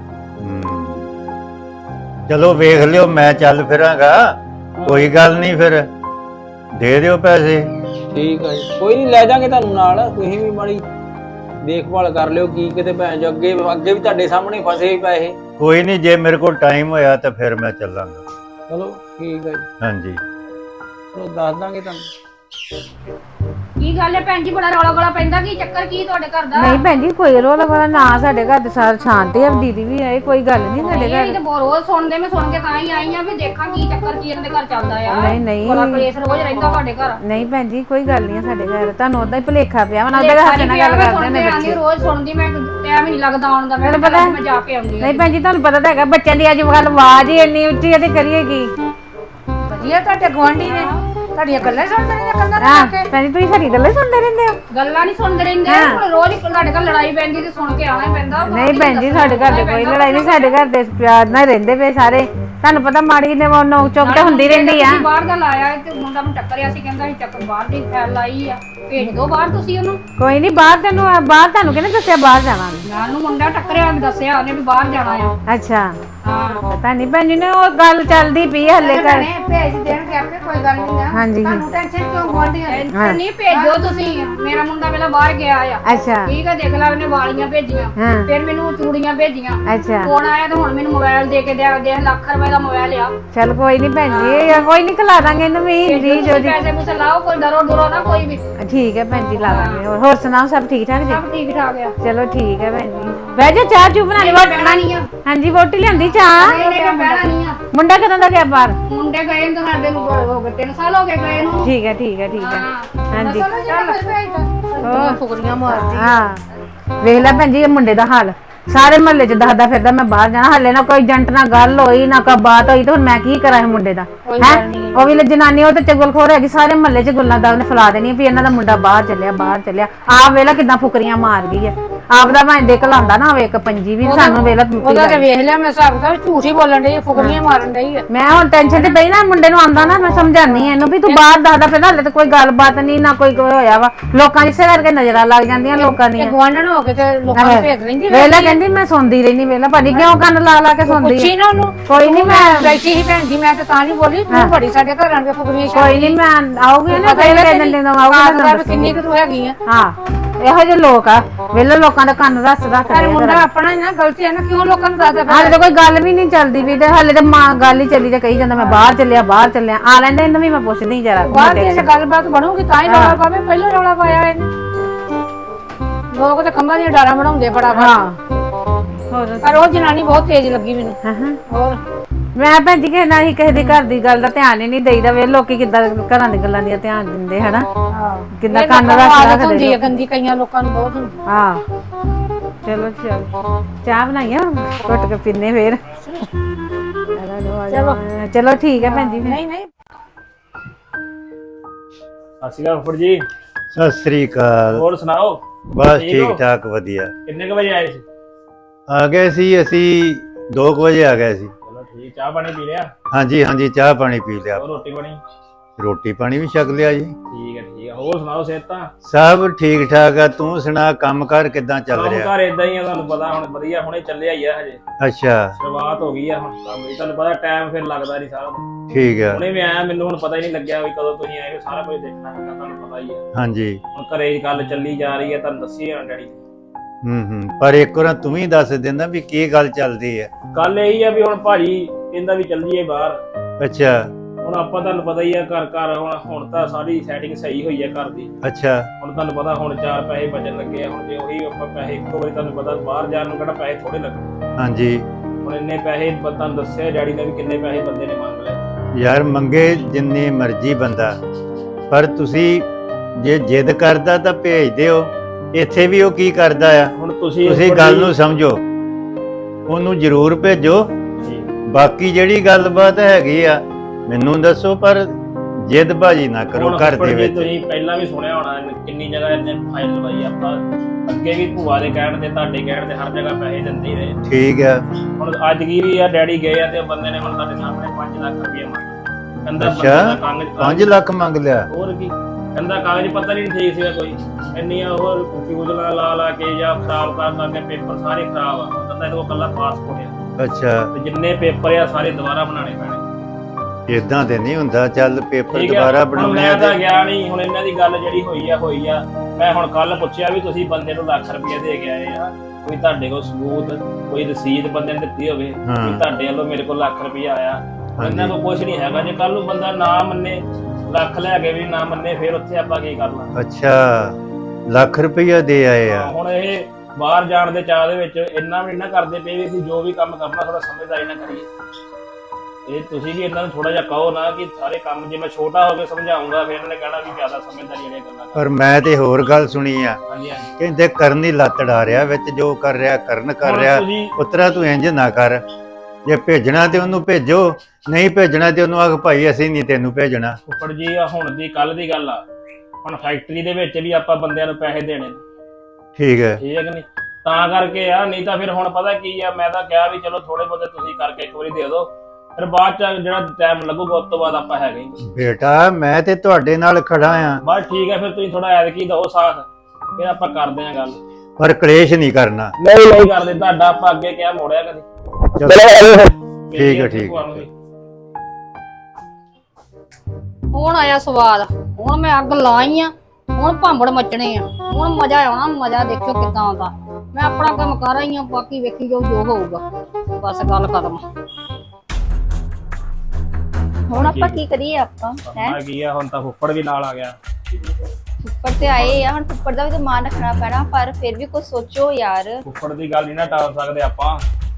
[SPEAKER 3] ਚਲੋ ਵੇਖ ਲਿਓ, ਮੈਂ ਚੱਲ ਫਿਰਾਂਗਾ, ਕੋਈ ਗੱਲ ਨਹੀਂ, ਫਿਰ ਦੇ ਦਿਓ ਪੈਸੇ।
[SPEAKER 2] ਠੀਕ ਆ ਜੀ, ਕੋਈ ਨਹੀਂ ਲੈ ਜਾਾਂਗੇ ਤੁਹਾਨੂੰ ਨਾਲ, ਤੁਸੀਂ ਵੀ ਮਾੜੀ ਦੇਖਭਾਲ ਕਰ ਲਿਓ ਕੀ ਕਿਤੇ ਭੈਣ ਜੋ ਅੱਗੇ ਵੀ ਤੁਹਾਡੇ ਸਾਹਮਣੇ ਫਸੇ ਪਏ।
[SPEAKER 3] ਕੋਈ ਨਹੀਂ, ਜੇ ਮੇਰੇ ਕੋਲ ਟਾਈਮ ਹੋਇਆ ਤਾਂ ਫਿਰ ਮੈਂ ਚੱਲਾਂਗਾ।
[SPEAKER 2] ਚਲੋ ਠੀਕ ਹੈ ਜੀ,
[SPEAKER 3] ਹਾਂਜੀ
[SPEAKER 2] ਚਲੋ ਦੱਸ ਦਾਂਗੇ ਤੁਹਾਨੂੰ।
[SPEAKER 5] ਕੀ ਗੱਲ ਹੈ ਭੈਣ ਜੀ, ਬੜਾ ਰੌਲਾ ਗੋਲਾ ਪੈਂਦਾ, ਕੀ ਚੱਕਰ ਕੀ ਤੁਹਾਡੇ ਘਰ ਦਾ?
[SPEAKER 4] ਨਹੀਂ ਭੈਣ ਜੀ ਕੋਈ ਰੋਲਾ ਗੋਲਾ ਨਾ, ਸਾਡੇ ਘਰ ਦੇ ਸਾਰੇ ਸ਼ਾਂਤੀ ਆ, ਦੀਦੀ ਵੀ ਆਏ, ਕੋਈ ਗੱਲ ਨਹੀਂ ਸਾਡੇ
[SPEAKER 5] ਇਹ
[SPEAKER 4] ਘਰ।
[SPEAKER 5] ਤੇ ਬਹੁਤ ਰੋਜ਼ ਸੁਣਦੇ, ਮੈਂ ਸੁਣ ਕੇ ਤਾਂ ਹੀ ਆਈ ਆ ਵੀ ਦੇਖਾਂ ਕੀ ਚੱਕਰ ਕੀ ਇਹਨਾਂ ਦੇ ਘਰ ਚੱਲਦਾ ਆ।
[SPEAKER 4] ਨਹੀਂ ਨਹੀਂ
[SPEAKER 5] ਬੜਾ ਕਲੇਸ਼ ਰੋਜ਼ ਰਹਿੰਦਾ ਤੁਹਾਡੇ ਘਰ।
[SPEAKER 4] ਨਹੀਂ ਭੈਣ ਜੀ ਕੋਈ ਗੱਲ ਨਹੀਂ ਆ ਸਾਡੇ ਘਰ, ਤੁਹਾਨੂੰ ਉਦਾਂ ਹੀ ਭੁਲੇਖਾ ਪਿਆ ਵਾ ਨਾ, ਉਹਦੇ ਹੱਥ ਨਾਲ ਗੱਲ ਕਰਦੇ ਨੇ ਬੱਚੇ।
[SPEAKER 5] ਰੋਜ਼ ਸੁਣਦੀ, ਮੈਂ ਟਾਈਮ ਹੀ ਨਹੀਂ ਲੱਗਦਾ ਆਉਣ ਦਾ, ਮੈਂ
[SPEAKER 4] ਪਤਾ
[SPEAKER 5] ਮੈਂ ਜਾ ਕੇ ਆਉਂਦੀ
[SPEAKER 4] ਨਹੀਂ ਭੈਣ ਜੀ ਤੁਹਾਨੂੰ ਪਤਾ ਤਾਂ ਹੈਗਾ ਬੱਚਿਆਂ ਦੀ ਅੱਜ ਕੱਲ੍ਹ ਆਵਾਜ਼ ਹੀ ਇੰਨੀ ਉੱਚੀ ਹੈ ਤੇ ਕਰੀਏ ਕੀ।
[SPEAKER 5] ਵਧੀਆ ਤੁਹਾਡੇ ਗੁਆਂਢੀ ਨੇ ਤੁਹਾਡੀਆਂ ਗੱਲਾਂ ਸੁਣਦੇ ਰਹਿੰਦੇ ਕੰਨਾਂ ਤੇ
[SPEAKER 4] ਹਾਂ
[SPEAKER 5] ਲਾ ਕੇ।
[SPEAKER 4] ਭੈਣ ਜੀ ਤੁਸੀਂ ਸਾਡੀ ਗੱਲਾਂ ਸੁਣਦੇ ਰਹਿੰਦੇ ਹੋ।
[SPEAKER 5] ਗੱਲਾਂ ਨਹੀਂ ਸੁਣਦੇ ਰਹਿੰਦੇ, ਹੁਣ ਰੋਜ਼ ਹੀ ਤੁਹਾਡੇ ਘਰ ਲੜਾਈ ਪੈਂਦੀ ਤੇ ਸੁਣ ਕੇ ਆਉਣਾ ਹੀ ਪੈਂਦਾ।
[SPEAKER 4] ਨਹੀਂ ਭੈਣ ਜੀ ਸਾਡੇ ਘਰ ਦੇ ਕੋਈ ਲੜਾਈ ਨਹੀਂ, ਸਾਡੇ ਘਰ ਦੇ ਪਿਆਰ ਨਾਲ ਰਹਿੰਦੇ ਪਏ ਸਾਰੇ। ਤੁਹਾਨੂੰ ਪਤਾ ਮਾੜੀ ਨੇ ਨੋਕ ਚੋਕ ਤਾਂ ਹੁੰਦੀ ਰਹਿੰਦੀ ਆ।
[SPEAKER 5] ਬਾਹਰ ਦਾ ਲਾਇਆ ਤੇ ਮੁੰਡਾ ਨੂੰ ਟੱਕਰਿਆ ਸੀ, ਕਹਿੰਦਾ ਸੀ ਚੱਕਰ ਬਾਹਰ ਦੀ ਫੈਲ ਲਾਈ ਆ, ਭੇਜ ਦੋ ਬਾਹਰ ਤੁਸੀਂ ਉਹਨੂੰ।
[SPEAKER 4] ਕੋਈ ਨਹੀਂ ਬਾਹਰ ਤੁਹਾਨੂੰ ਕਿਹਨੇ ਦੱਸਿਆ ਬਾਹਰ ਜਾਣਾ?
[SPEAKER 5] ਮੈਨੂੰ ਮੁੰਡਾ ਟੱਕਰਿਆ, ਦੱਸਿਆ ਉਹਨੇ ਵੀ ਬਾਹਰ ਜਾਣਾ ਆ।
[SPEAKER 4] ਅੱਛਾ
[SPEAKER 5] ਹਾਂ
[SPEAKER 4] ਪਤਾ ਨਹੀਂ ਭੈਣ ਜੀ ਨੇ ਉਹ ਗੱਲ ਚੱਲਦੀ ਪਈ ਹੱਲੇ ਘਰ।
[SPEAKER 5] ਭੇਜ ਦੇਣਗੇ ਆਪੇ, ਕੋਈ ਗੱਲ ਨਹੀਂ ਆ।
[SPEAKER 4] ਹਾਂਜੀ
[SPEAKER 5] ਤੁਹਾਨੂੰ ਟੈਨਸ਼ਨ ਕਿਉਂ ਹੋਣੀ ਹੈ? ਨਹੀਂ ਭੇਜੋ ਤੁਸੀਂ, ਮੇਰਾ ਮੁੰਡਾ ਪਹਿਲਾਂ ਬਾਹਰ ਗਿਆ ਆ।
[SPEAKER 4] ਅੱਛਾ
[SPEAKER 5] ਠੀਕ ਹੈ, ਦੇਖ ਲੈ ਉਹਨੇ ਵਾਲੀਆਂ ਭੇਜੀਆਂ,
[SPEAKER 4] ਹਾਂ
[SPEAKER 5] ਫਿਰ ਮੈਨੂੰ ਚੂੜੀਆਂ ਭੇਜੀਆਂ,
[SPEAKER 4] ਅੱਛਾ
[SPEAKER 5] ਫੋਨ ਆਇਆ ਤੇ ਹੁਣ ਮੈਨੂੰ ਮੋਬਾਈਲ ਦੇ ਕੇ ਦੇ ਲੱਖ ਰੁਪਏ ਦਾ ਮੋਬਾਈਲ ਆ।
[SPEAKER 4] ਚਲ ਕੋਈ ਨਹੀਂ ਭੈਣ ਜੀ, ਕੋਈ ਨਹੀਂ ਖਿਲਾ ਦਾਂਗੇ ਇਹਨੂੰ ਵੀ ਜੀ ਜੋ ਜੀ।
[SPEAKER 5] ਪੈਸੇ ਪੂਸੇ ਲਾਓ, ਕੋਈ ਡਰੋ ਡਰੋ ਨਾ ਕੋਈ ਵੀ।
[SPEAKER 4] ਠੀਕ ਹੈ ਭੈਣ ਜੀ ਲਾ ਦਾਂਗੇ। ਹੋਰ ਸੁਣਾਓ ਸਭ ਠੀਕ ਠਾਕ ਜੀ?
[SPEAKER 5] ਸਭ ਠੀਕ ਠਾਕ ਆ।
[SPEAKER 4] ਚਲੋ ਠੀਕ ਹੈ ਭੈਣ ਜੀ, ਬਹਿ ਜਾ ਚਾਹ ਚੂ ਬਣਾ ਲਈ।
[SPEAKER 5] ਬਹਿਣਾ ਨਹੀਂ ਆ।
[SPEAKER 4] ਹਾਂਜੀ ਵੋਟੀ ਲਿਆਂਦੀ ਚਾਹ।
[SPEAKER 5] ਨਹੀਂ ਨਹੀਂ ਬਹਿਣਾ ਨਹੀਂ ਆ।
[SPEAKER 4] ਮੁੰਡਾ ਕਦੋਂ ਦਾ ਗਿਆ ਬਾਹਰ?
[SPEAKER 5] ਮੁੰਡੇ ਗਏ ਨੂੰ ਸਾਡੇ ਨੂੰ ਹੋ ਗਏ 3 ਸਾਲ ਹੋ ਗਏ ਗਏ ਨੂੰ।
[SPEAKER 4] ਠੀਕ ਹੈ ਠੀਕ ਹੈ ਠੀਕ ਹੈ ਹਾਂਜੀ
[SPEAKER 5] ਫੁਕਰੀਆਂ ਮਾਰਦੀ।
[SPEAKER 4] ਹਾਂ ਵੇਖ ਲੈ ਭੈਣ ਜੀ ਇਹ ਮੁੰਡੇ ਦਾ ਹਾਲ, ਸਾਰੇ ਮਹੱਲੇ ਚ ਦੱਸਦਾ ਫਿਰਦਾ ਮੈਂ ਬਾਹਰ ਜਾਣਾ। ਹੱਲੇ ਨਾ ਕੋਈ ਏਜੰਟ ਨਾਲ ਗੱਲ ਹੋਈ ਨਾ ਕੋਈ ਬਾਤ ਹੋਈ, ਤੇ ਹੁਣ ਮੈਂ ਕੀ ਕਰਾਂ ਇਹ ਮੁੰਡੇ ਦਾ ਹੈ? ਉਹ ਵੀ ਜਨਾਨੀ ਉਹ ਤੇ ਚੁਗਲਖੋਰ ਹੈਗੀ, ਸਾਰੇ ਮਹੱਲੇ ਚ ਗੱਲਾਂ ਦਾ ਉਹਨੇ ਫੈਲਾ ਦੇਣੀ ਵੀ ਇਹਨਾਂ ਦਾ ਮੁੰਡਾ ਬਾਹਰ ਚੱਲਿਆ ਬਾਹਰ ਚੱਲਿਆ। ਆਪ ਵੇਲਾ ਕਿਦਾਂ ਫੁਕਰੀਆਂ ਮਾਰ ਗਈ ਹੈ, ਆਪ ਦਾ ਭਾਂਡੇ ਘਲਾਉਂਦਾ ਨਾ ਹੋਵੇ ਇੱਕ ਪੰਜੀ ਵੀ ਸਾਨੂੰ ਵੇਲਾ।
[SPEAKER 5] ਉਹਦਾ ਤੇ ਵੇਖ ਲਿਆ ਮੈਂ, ਹਿਸਾਬ ਦਾ ਝੂਠ ਹੀ ਬੋਲਣ ਡਈ, ਫੁਕਰੀਆਂ ਮਾਰਨ ਡਈ ਆ।
[SPEAKER 4] ਮੈਂ ਹੁਣ ਟੈਨਸ਼ਨ ਤੇ ਪਈ ਨਾ, ਮੁੰਡੇ ਨੂੰ ਆਂਦਾ ਨਾ, ਮੈਂ ਸਮਝਾਨੀ ਆ ਇਹਨੂੰ ਵੀ ਤੂੰ ਬਾਹਰ ਦੱਸਦਾ ਫਿਰ ਹਲੇ ਤੇ ਕੋਈ ਗੱਲਬਾਤ ਨਹੀਂ ਨਾ ਕੋਈ ਹੋਇਆ ਵਾ। ਲੋਕਾਂ ਇਸੇ ਕਰਕੇ ਨਜ਼ਰਾਂ ਲੱਗ ਜਾਂਦੀਆਂ ਲੋਕਾਂ ਦੀਆਂ।
[SPEAKER 5] ਗੁਆਂਢਣ ਹੋ ਕੇ ਤੇ ਲੋਕਾਂ ਨੂੰ ਭੇਜ ਰਹਿੰਦੀ
[SPEAKER 4] ਵੇਲਾ ਕਹਿੰਦੀ ਮੈਂ ਸੁਣਦੀ ਰਹਿਨੀ, ਵੇਲਾ ਭਾਜੀ ਕਿਉਂ ਕੰਨ ਲਾ ਲਾ ਕੇ ਸੁਣਦੀ?
[SPEAKER 5] ਪੁੱਛੀ ਨਾ ਉਹਨੂੰ।
[SPEAKER 4] ਕੋਈ ਨਹੀਂ ਮੈਂ
[SPEAKER 5] ਬੈਠੀ ਸੀ ਭੈਣ ਜੀ, ਮੈਂ ਤੇ ਤਾਂ ਨਹੀਂ ਬੋਲੀ, ਤੂੰ ਬੜੀ ਸਾਡੇ ਘਰ ਆਣ ਕੇ ਫੁਕਰੀਆਂ
[SPEAKER 4] ਕੋਈ ਨਹੀਂ ਮੈਂ ਆਉਗੀ ਨਾ ਪਹਿਲੇ ਦਿਨ ਆਉਗੀ
[SPEAKER 5] ਕਿੰਨੀ ਕੁ ਤੂੰ ਹੈਗੀ ਆ।
[SPEAKER 4] ਹਾਂ ਇਹੋ ਜਿਹੇ ਲੋਕ ਆ ਵੇਲੇ ਲੋਕਾਂ ਦਾ ਕੰਨ ਰਸ ਰੱਖਦੇ
[SPEAKER 5] ਮੁੰਡਾ ਆਪਣਾ ਹੀ ਨਾ ਗਲਤੀ ਹੈ ਨਾ ਕਿਉਂ ਲੋਕਾਂ ਨੂੰ ਦੱਸਦਾ
[SPEAKER 4] ਹਾਲੇ ਤਾਂ ਕੋਈ ਗੱਲ ਵੀ ਨਹੀਂ ਚੱਲਦੀ ਵੀ ਤੇ ਹਾਲੇ ਤਾਂ ਮਾਂ ਗੱਲ ਹੀ ਚੱਲੀ ਤੇ ਕਹੀ ਜਾਂਦਾ ਮੈਂ ਬਾਹਰ ਚੱਲਿਆ ਆ ਲੈਂਦੇ ਇਹਨੂੰ ਵੀ ਮੈਂ ਪੁੱਛਦੀ ਜਰਾ
[SPEAKER 5] ਬਾਅਦ ਵਿੱਚ ਗੱਲਬਾਤ ਬਣੂਗੀ ਤਾਂ ਹੀ ਰੌਲਾ ਪਾਵੇ ਪਹਿਲਾਂ ਰੌਲਾ ਪਾਇਆ ਇਹਨੇ ਲੋਕ ਤੇ ਖੰਭਾਂ ਦੀਆਂ ਡਾਰਾਂ ਬਣਾਉਂਦੇ ਬੜਾ
[SPEAKER 4] ਹੋਰ
[SPEAKER 5] ਪਰ ਉਹ ਜਨਾਨੀ ਬਹੁਤ ਤੇਜ਼ ਲੱਗੀ ਮੈਨੂੰ ਹੋਰ
[SPEAKER 4] ਮੈਂ ਭੈਣ ਜੀ ਕਿਸੇ ਦੀ ਘਰ ਦੀ ਗੱਲ ਦਾ ਧਿਆਨ ਹੀ ਨਹੀਂ ਦੇਈਦਾ ਵੇ ਲੋਕੀ ਕਿੱਦਾਂ ਘਰਾਂ ਦੀ ਗੱਲਾਂ ਦੀ ਧਿਆਨ ਦਿੰਦੇ ਹਨਾ ਕਿੱਦਾਂ ਕੰਨ ਰੱਖ
[SPEAKER 5] ਹੁੰਦੀ ਹੈ ਗੰਦੀ ਕਈਆਂ ਲੋਕਾਂ ਨੂੰ ਬਹੁਤ ਹੁੰਦੀ
[SPEAKER 4] ਹਾਂ ਚਲੋ ਚਾਹ ਬਣਾਈਏ ਘੁੱਟ ਕੇ ਪੀਨੇ ਫੇਰ ਚਲੋ ਠੀਕ ਹੈ ਭੈਣ ਜੀ
[SPEAKER 5] ਨਹੀਂ
[SPEAKER 1] ਸਤਿ ਸ਼੍ਰੀ ਅਕਾਲ ਫੁੱਫੜ ਜੀ।
[SPEAKER 3] ਸਤਿ ਸ੍ਰੀ ਅਕਾਲ।
[SPEAKER 1] ਹੋਰ ਸੁਣਾਓ?
[SPEAKER 3] ਬਸ
[SPEAKER 1] ਠੀਕ ਹੋ?
[SPEAKER 3] ਠੀਕ ਠਾਕ ਵਧੀਆ।
[SPEAKER 1] ਕਿੰਨੇ ਕੁ ਵਜੇ ਆਏ ਸੀ?
[SPEAKER 3] ਆ ਗਏ ਸੀ ਅਸੀਂ 2 ਵਜੇ ਆ ਗਏ ਸੀ।
[SPEAKER 1] ਚਲੋ ਠੀਕ, ਚਾਹ ਪਾਣੀ ਪੀ ਲਿਆ?
[SPEAKER 3] ਹਾਂਜੀ ਹਾਂਜੀ ਚਾਹ ਪਾਣੀ ਪੀ ਲਿਆ,
[SPEAKER 1] ਹੋਰ ਰੋਟੀ ਪਾਣੀ?
[SPEAKER 3] ਰੋਟੀ ਪਾਣੀ ਵੀ ਛਕ ਲਿਆ ਜੀ।
[SPEAKER 1] ਠੀਕ ਹੈ ਹੋਰ ਸੁਣਾਓ ਸਿਹਤਾਂ?
[SPEAKER 3] ਸਭ ਠੀਕ ਠਾਕ ਆ। ਤੂੰ ਸੁਣਾ ਕੰਮ ਕਾਰ ਕਿੱਦਾਂ ਚੱਲ ਰਿਹਾ?
[SPEAKER 1] ਘਰ ਇਦਾਂ ਹੀ ਆ, ਤੁਹਾਨੂੰ ਪਤਾ ਹੁਣ ਵਧੀਆ ਹੁਣੇ ਚੱਲਿਆ ਹੀ ਆ, ਹਜੇ
[SPEAKER 3] ਅੱਛਾ
[SPEAKER 1] ਸ਼ੁਰੂਆਤ ਹੋ ਗਈ ਆ ਹੁਣ ਕੰਮ ਦੀ। ਤੁਹਾਨੂੰ ਪਤਾ ਟਾਈਮ ਫਿਰ ਲੱਗਦਾ ਨਹੀਂ ਸਾਰਾ ਦਿਨ।
[SPEAKER 3] ਠੀਕ ਆ।
[SPEAKER 1] ਹੁਣੇ ਵੀ ਆਇਆ, ਮੈਨੂੰ ਹੁਣ ਪਤਾ ਹੀ ਨਹੀਂ ਲੱਗਿਆ ਵੀ ਕਦੋਂ ਤੁਸੀਂ ਆਏ। ਸਾਰਾ ਕੁਝ ਦੇਖਣਾ ਹੈਗਾ, ਤੁਹਾਨੂੰ ਪਤਾ ਹੀ ਆ।
[SPEAKER 3] ਹਾਂਜੀ
[SPEAKER 1] ਹੁਣ ਘਰੇ ਗੱਲ ਚੱਲੀ ਜਾ ਰਹੀ ਹੈ, ਤੁਹਾਨੂੰ ਦੱਸੀ ਆ ਡੈਡੀ।
[SPEAKER 3] ਪਰ ਇੱਕ ਵਾਰ ਤੂੰ ਵੀ ਦੱਸ ਦਿੰਦਾ ਵੀ ਕੀ ਗੱਲ ਚੱਲਦੀ ਹੈ।
[SPEAKER 1] ਗੱਲ ਇਹੀ ਆ ਵੀ ਹੁਣ ਭਾਜੀ ਕਹਿੰਦਾ ਵੀ ਚੱਲ ਜੀਏ ਬਾਹਰ।
[SPEAKER 3] ਅੱਛਾ
[SPEAKER 1] ਹੁਣ ਆਪਾਂ ਤੁਹਾਨੂੰ ਪਤਾ ਹੀ ਆ ਘਰ ਹੁਣ ਤਾਂ ਸਾਰੀ ਸੈਟਿੰਗ ਸਹੀ ਹੋਈ ਆ ਘਰ ਦੀ।
[SPEAKER 3] ਅੱਛਾ
[SPEAKER 1] ਹੁਣ ਤੁਹਾਨੂੰ ਪਤਾ ਹੁਣ 4 ਪੈਸੇ ਬਚਣ ਲੱਗੇ ਆ। ਹੁਣ ਜੇ ਉਹੀ ਆਪਾਂ ਪੈਸੇ ਇੱਕੋ ਵਾਰੀ, ਤੁਹਾਨੂੰ ਪਤਾ ਬਾਹਰ ਜਾਣ ਨੂੰ ਕਿਹੜਾ ਪੈਸੇ ਥੋੜੇ ਲੱਗਣੇ।
[SPEAKER 3] ਹਾਂਜੀ
[SPEAKER 1] ਹੁਣ ਇੰਨੇ ਪੈਸੇ ਤੁਹਾਨੂੰ ਦੱਸਿਆ ਡੈਡੀ ਨੇ ਵੀ ਕਿੰਨੇ ਪੈਸੇ ਬੰਦੇ ਨੇ ਮੰਗ ਲਏ।
[SPEAKER 3] ਯਾਰ ਮੰਗੇ ਜਿੰਨੀ ਮਰਜ਼ੀ ਬੰਦਾ, ਪਰ ਤੁਸੀਂ ਜੇ ਜਿੱਦ ਕਰਦਾ ਤਾਂ ਭੇਜ ਦਿਓ। ਇੱਥੇ ਵੀ ਉਹ ਕੀ ਕਰਦਾ ਆ,
[SPEAKER 1] ਹੁਣ ਤੁਸੀਂ
[SPEAKER 3] ਗੱਲ ਨੂੰ ਸਮਝੋ, ਉਹਨੂੰ ਜ਼ਰੂਰ ਭੇਜੋ। ਬਾਕੀ ਜਿਹੜੀ ਗੱਲਬਾਤ ਹੈਗੀ ਆ ਮੈਨੂੰ ਦੱਸੋ, ਪਰ ਜਿੱਦ ਬਾਜੀ ਨਾ ਕਰੋ ਘਰ ਦੇ ਵਿੱਚ।
[SPEAKER 1] ਤੁਸੀਂ ਪਹਿਲਾਂ ਵੀ ਸੁਣਿਆ ਹੋਣਾ ਕਿੰਨੀ ਜਗ੍ਹਾ ਇਹਨੇ ਫਾਈਲ ਲਵਾਈ ਆਪਾਂ। ਅੱਗੇ ਵੀ ਭੂਆ ਦੇ ਕਹਿਣ ਤੇ ਤੁਹਾਡੇ ਕਹਿਣ ਤੇ ਹਰ ਜਗ੍ਹਾ ਪੈਸੇ ਦਿੰਦੇ ਹੀ ਰਹੇ।
[SPEAKER 3] ਠੀਕ ਆ।
[SPEAKER 1] ਹੁਣ ਅੱਜ ਕੀ ਵੀ ਆ, ਡੈਡੀ ਗਏ ਆ ਤੇ ਬੰਦੇ ਨੇ ਹੁਣ ਤੁਹਾਡੇ ਸਾਹਮਣੇ 5 ਲੱਖ ਰੁਪਏ ਮੰਗੇ। ਕਹਿੰਦਾ
[SPEAKER 3] ਅੱਛਾ 5 ਲੱਖ ਮੰਗ ਲਿਆ?
[SPEAKER 1] ਹੋਰ ਕੀ ਕਹਿੰਦਾ, ਕਾਗਜ਼ ਪੱਤਰ ਹੀ ਨਹੀਂ ਠੀਕ ਸੀਗਾ ਕੋਈ। ਇੰਨੀਆਂ ਹੋਰ ਫਿਊਜ਼ਲਾਂ ਲਾ ਕੇ ਜਾਂ ਖਰਾਬ ਕਰਕੇ ਪੇਪਰ ਸਾਰੇ ਖਰਾਬ ਆ। ਕਹਿੰਦਾ ਇਹਦੇ ਕੋਲ ਕੱਲਾ ਪਾਸਪੋਰਟ ਆ।
[SPEAKER 3] ਅੱਛਾ
[SPEAKER 1] ਤੇ ਜਿੰਨੇ ਪੇਪਰ ਆ ਸਾਰੇ ਦੁਬਾਰਾ ਬਣਾਉਣੇ ਪੈਣੇ।
[SPEAKER 3] ਇਦਾਂ ਤੇ ਨਹੀਂ ਹੁੰਦਾ, ਚੱਲ ਪੇਪਰ
[SPEAKER 1] ਠੀਕ ਆ,
[SPEAKER 3] ਦੁਬਾਰਾ
[SPEAKER 1] ਹੁਣ
[SPEAKER 3] ਬਣਾਉਣੇ
[SPEAKER 1] ਮੈਂ
[SPEAKER 3] ਆ
[SPEAKER 1] ਤਾਂ ਗਿਆ ਨਹੀਂ। ਹੁਣ ਇਹਨਾਂ ਦੀ ਗੱਲ ਜਿਹੜੀ ਹੋਈ ਆ। ਮੈਂ ਹੁਣ ਕੱਲ ਪੁੱਛਿਆ ਵੀ ਤੁਸੀਂ ਬੰਦੇ ਨੂੰ ਲੱਖ ਰੁਪਏ ਦੇ ਕੇ ਆਏ ਆ, ਕੋਈ ਤੁਹਾਡੇ ਕੋਲ ਸਬੂਤ, ਕੋਈ ਰਸੀਦ ਬੰਦੇ ਨੇ ਦਿੱਤੀ ਹੋਵੇ ਵੀ ਤੁਹਾਡੇ ਵੱਲੋਂ ਮੇਰੇ ਕੋਲ ਲੱਖ ਰੁਪਏ ਆਇਆ। ਇਹਨਾਂ ਕੋਲ ਕੁਝ ਨਹੀਂ ਹੈਗਾ। ਜੇ ਕੱਲ ਨੂੰ ਬੰਦਾ ਨਾ ਮੰਨੇ, ਲੱਖ ਲੈ ਕੇ ਵੀ ਨਾ ਮੰਨੇ, ਫਿਰ ਉੱਥੇ ਆਪਾਂ ਕੀ ਕਰਨਾ?
[SPEAKER 3] ਅੱਛਾ ਲੱਖ ਰੁਪਇਆ ਦੇ ਆਏ ਆ।
[SPEAKER 1] ਹੁਣ ਇਹ ਬਾਹਰ ਜਾਣ ਦੇ ਚਾਹ ਦੇ ਵਿੱਚ ਇੰਨਾ ਵੀ ਨਾ ਕਰਦੇ ਪਏ ਵੀ ਅਸੀਂ ਜੋ ਵੀ ਕੰਮ ਕਰਨਾ ਥੋੜਾ ਸਮਝਦਾਰੀ ਨਾਲ ਕਰੀਏ। ਇਹ ਤੁਸੀਂ ਵੀ ਇਹਨਾਂ ਨੂੰ ਥੋੜਾ ਜਿਹਾ ਕਹੋ ਨਾ ਕਿ ਸਾਰੇ ਕੰਮ, ਜੇ ਮੈਂ ਛੋਟਾ ਹੋ ਕੇ ਸਮਝਾਉਂਗਾ ਫਿਰ ਇਹਨਾਂ ਨੇ ਕਹਿਣਾ ਵੀ ਜ਼ਿਆਦਾ ਸਮਝਦਾਰੀ ਵਾਲੀਆਂ ਗੱਲਾਂ ਕਰ।
[SPEAKER 3] ਪਰ ਮੈਂ ਤੇ ਹੋਰ ਗੱਲ ਸੁਣੀ ਆ,
[SPEAKER 1] ਹਾਂਜੀ ਹਾਂਜੀ।
[SPEAKER 3] ਕਹਿੰਦੇ ਕਰਨ ਦੀ ਲੱਤ ਡਾ ਰਿਹਾ ਵਿੱਚ, ਜੋ ਕਰ ਰਿਹਾ ਕਰ ਰਿਹਾ। ਪੁੱਤਰਾ ਤੂੰ ਇੰਜ ਨਾ ਕਰ, ਜੇ ਭੇਜਣਾ ਤੇ ਉਹਨੂੰ ਭੇਜੋ, ਨਹੀਂ ਭੇਜਣਾ ਤੇ ਉਹਨੂੰ ਆਖ ਭਾਈ ਅਸੀਂ ਨਹੀਂ ਤੈਨੂੰ ਭੇਜਣਾ।
[SPEAKER 1] ਫੁੱਫੜ ਜੀ ਆ ਹੁਣ ਦੀ ਕੱਲ ਦੀ ਗੱਲ ਆ। ਹੁਣ ਫੈਕਟਰੀ ਦੇ ਵਿੱਚ ਵੀ ਆਪਾਂ ਬੰਦਿਆਂ ਨੂੰ ਪੈਸੇ ਦੇਣੇ।
[SPEAKER 3] ਠੀਕ ਹੈ
[SPEAKER 1] ਠੀਕ ਹੈ ਕਿ ਨਹੀਂ? ਤਾਂ ਕਰਕੇ ਆ, ਨਹੀਂ ਤਾਂ ਫਿਰ ਹੁਣ ਪਤਾ ਕੀ ਆ, ਮੈਂ ਤਾਂ ਕਿਹਾ ਵੀ ਚਲੋ ਥੋੜੇ ਬਹੁਤੇ ਤੁਸੀਂ ਕਰਕੇ ਇੱਕ ਵਾਰੀ ਦੇ ਦਿਓ, ਫਿਰ ਬਾਅਦ ਚ ਜਿਹੜਾ ਟਾਈਮ ਲੱਗੂਗਾ ਉਸ ਤੋਂ ਬਾਅਦ ਆਪਾਂ ਹੈਗੇ
[SPEAKER 3] ਬੇਟਾ। ਮੈਂ ਤੇ ਤੁਹਾਡੇ ਨਾਲ ਖੜਾ ਆ।
[SPEAKER 1] ਬਸ ਠੀਕ ਹੈ, ਫਿਰ ਤੁਸੀਂ ਥੋੜਾ ਐਤਕੀ ਦਿਓ ਸਾਥ, ਫਿਰ ਆਪਾਂ ਕਰਦੇ ਆਂ ਗੱਲ।
[SPEAKER 3] ਪਰ ਕਲੇਸ਼ ਨਹੀਂ ਕਰਨਾ।
[SPEAKER 1] ਨਹੀਂ ਕਰਦੇ, ਤੁਹਾਡਾ ਆਪਾਂ ਅੱਗੇ ਕਿਹਾ ਮੋੜਿਆ ਕਦੀ।
[SPEAKER 3] ਠੀਕ ਹੈ ਠੀਕ ਹੈ।
[SPEAKER 7] ਹੁਣ ਆਇਆ ਸਵਾਦ। ਹੁਣ ਮੈਂ ਅੱਗ ਲਾਈ ਆ, ਹੁਣ ਭਾਂਬੜ ਮੱਚਣੇ ਆ। ਹੁਣ ਮਜ਼ਾ ਆਉਣਾ, ਮਜ਼ਾ ਦੇਖਿਓ ਕਿੱਦਾਂ ਆਉਂਦਾ। ਮੈਂ ਆਪਣਾ ਕੰਮ ਕਰ ਰਹੀ ਆ, ਬਾਕੀ ਵੇਖੀ ਜੋ ਹੋਊਗਾ। ਬਸ ਗੱਲ ਖਤਮ।
[SPEAKER 6] ਹੁਣ ਆਪਾਂ ਕੀ ਕਰੀਏ? ਆਪਾਂ
[SPEAKER 1] ਆ ਕੀ ਆ, ਹੁਣ ਤਾਂ ਫੁੱਫੜ ਵੀ ਨਾਲ ਆ ਗਿਆ।
[SPEAKER 6] ਫੁੱਫੜ ਤੇ ਆਏ ਆ, ਹੁਣ ਫੁੱਫੜ ਦਾ ਵੀ ਤਾਂ ਮਾਨ ਰੱਖਣਾ ਪੈਣਾ। ਪਰ ਫਿਰ ਵੀ ਕੁਝ ਸੋਚੋ ਯਾਰ।
[SPEAKER 1] ਫੁੱਫੜ ਦੀ ਗੱਲ ਨਹੀਂ ਨਾ ਟਾਲ ਸਕਦੇ ਆਪਾਂ।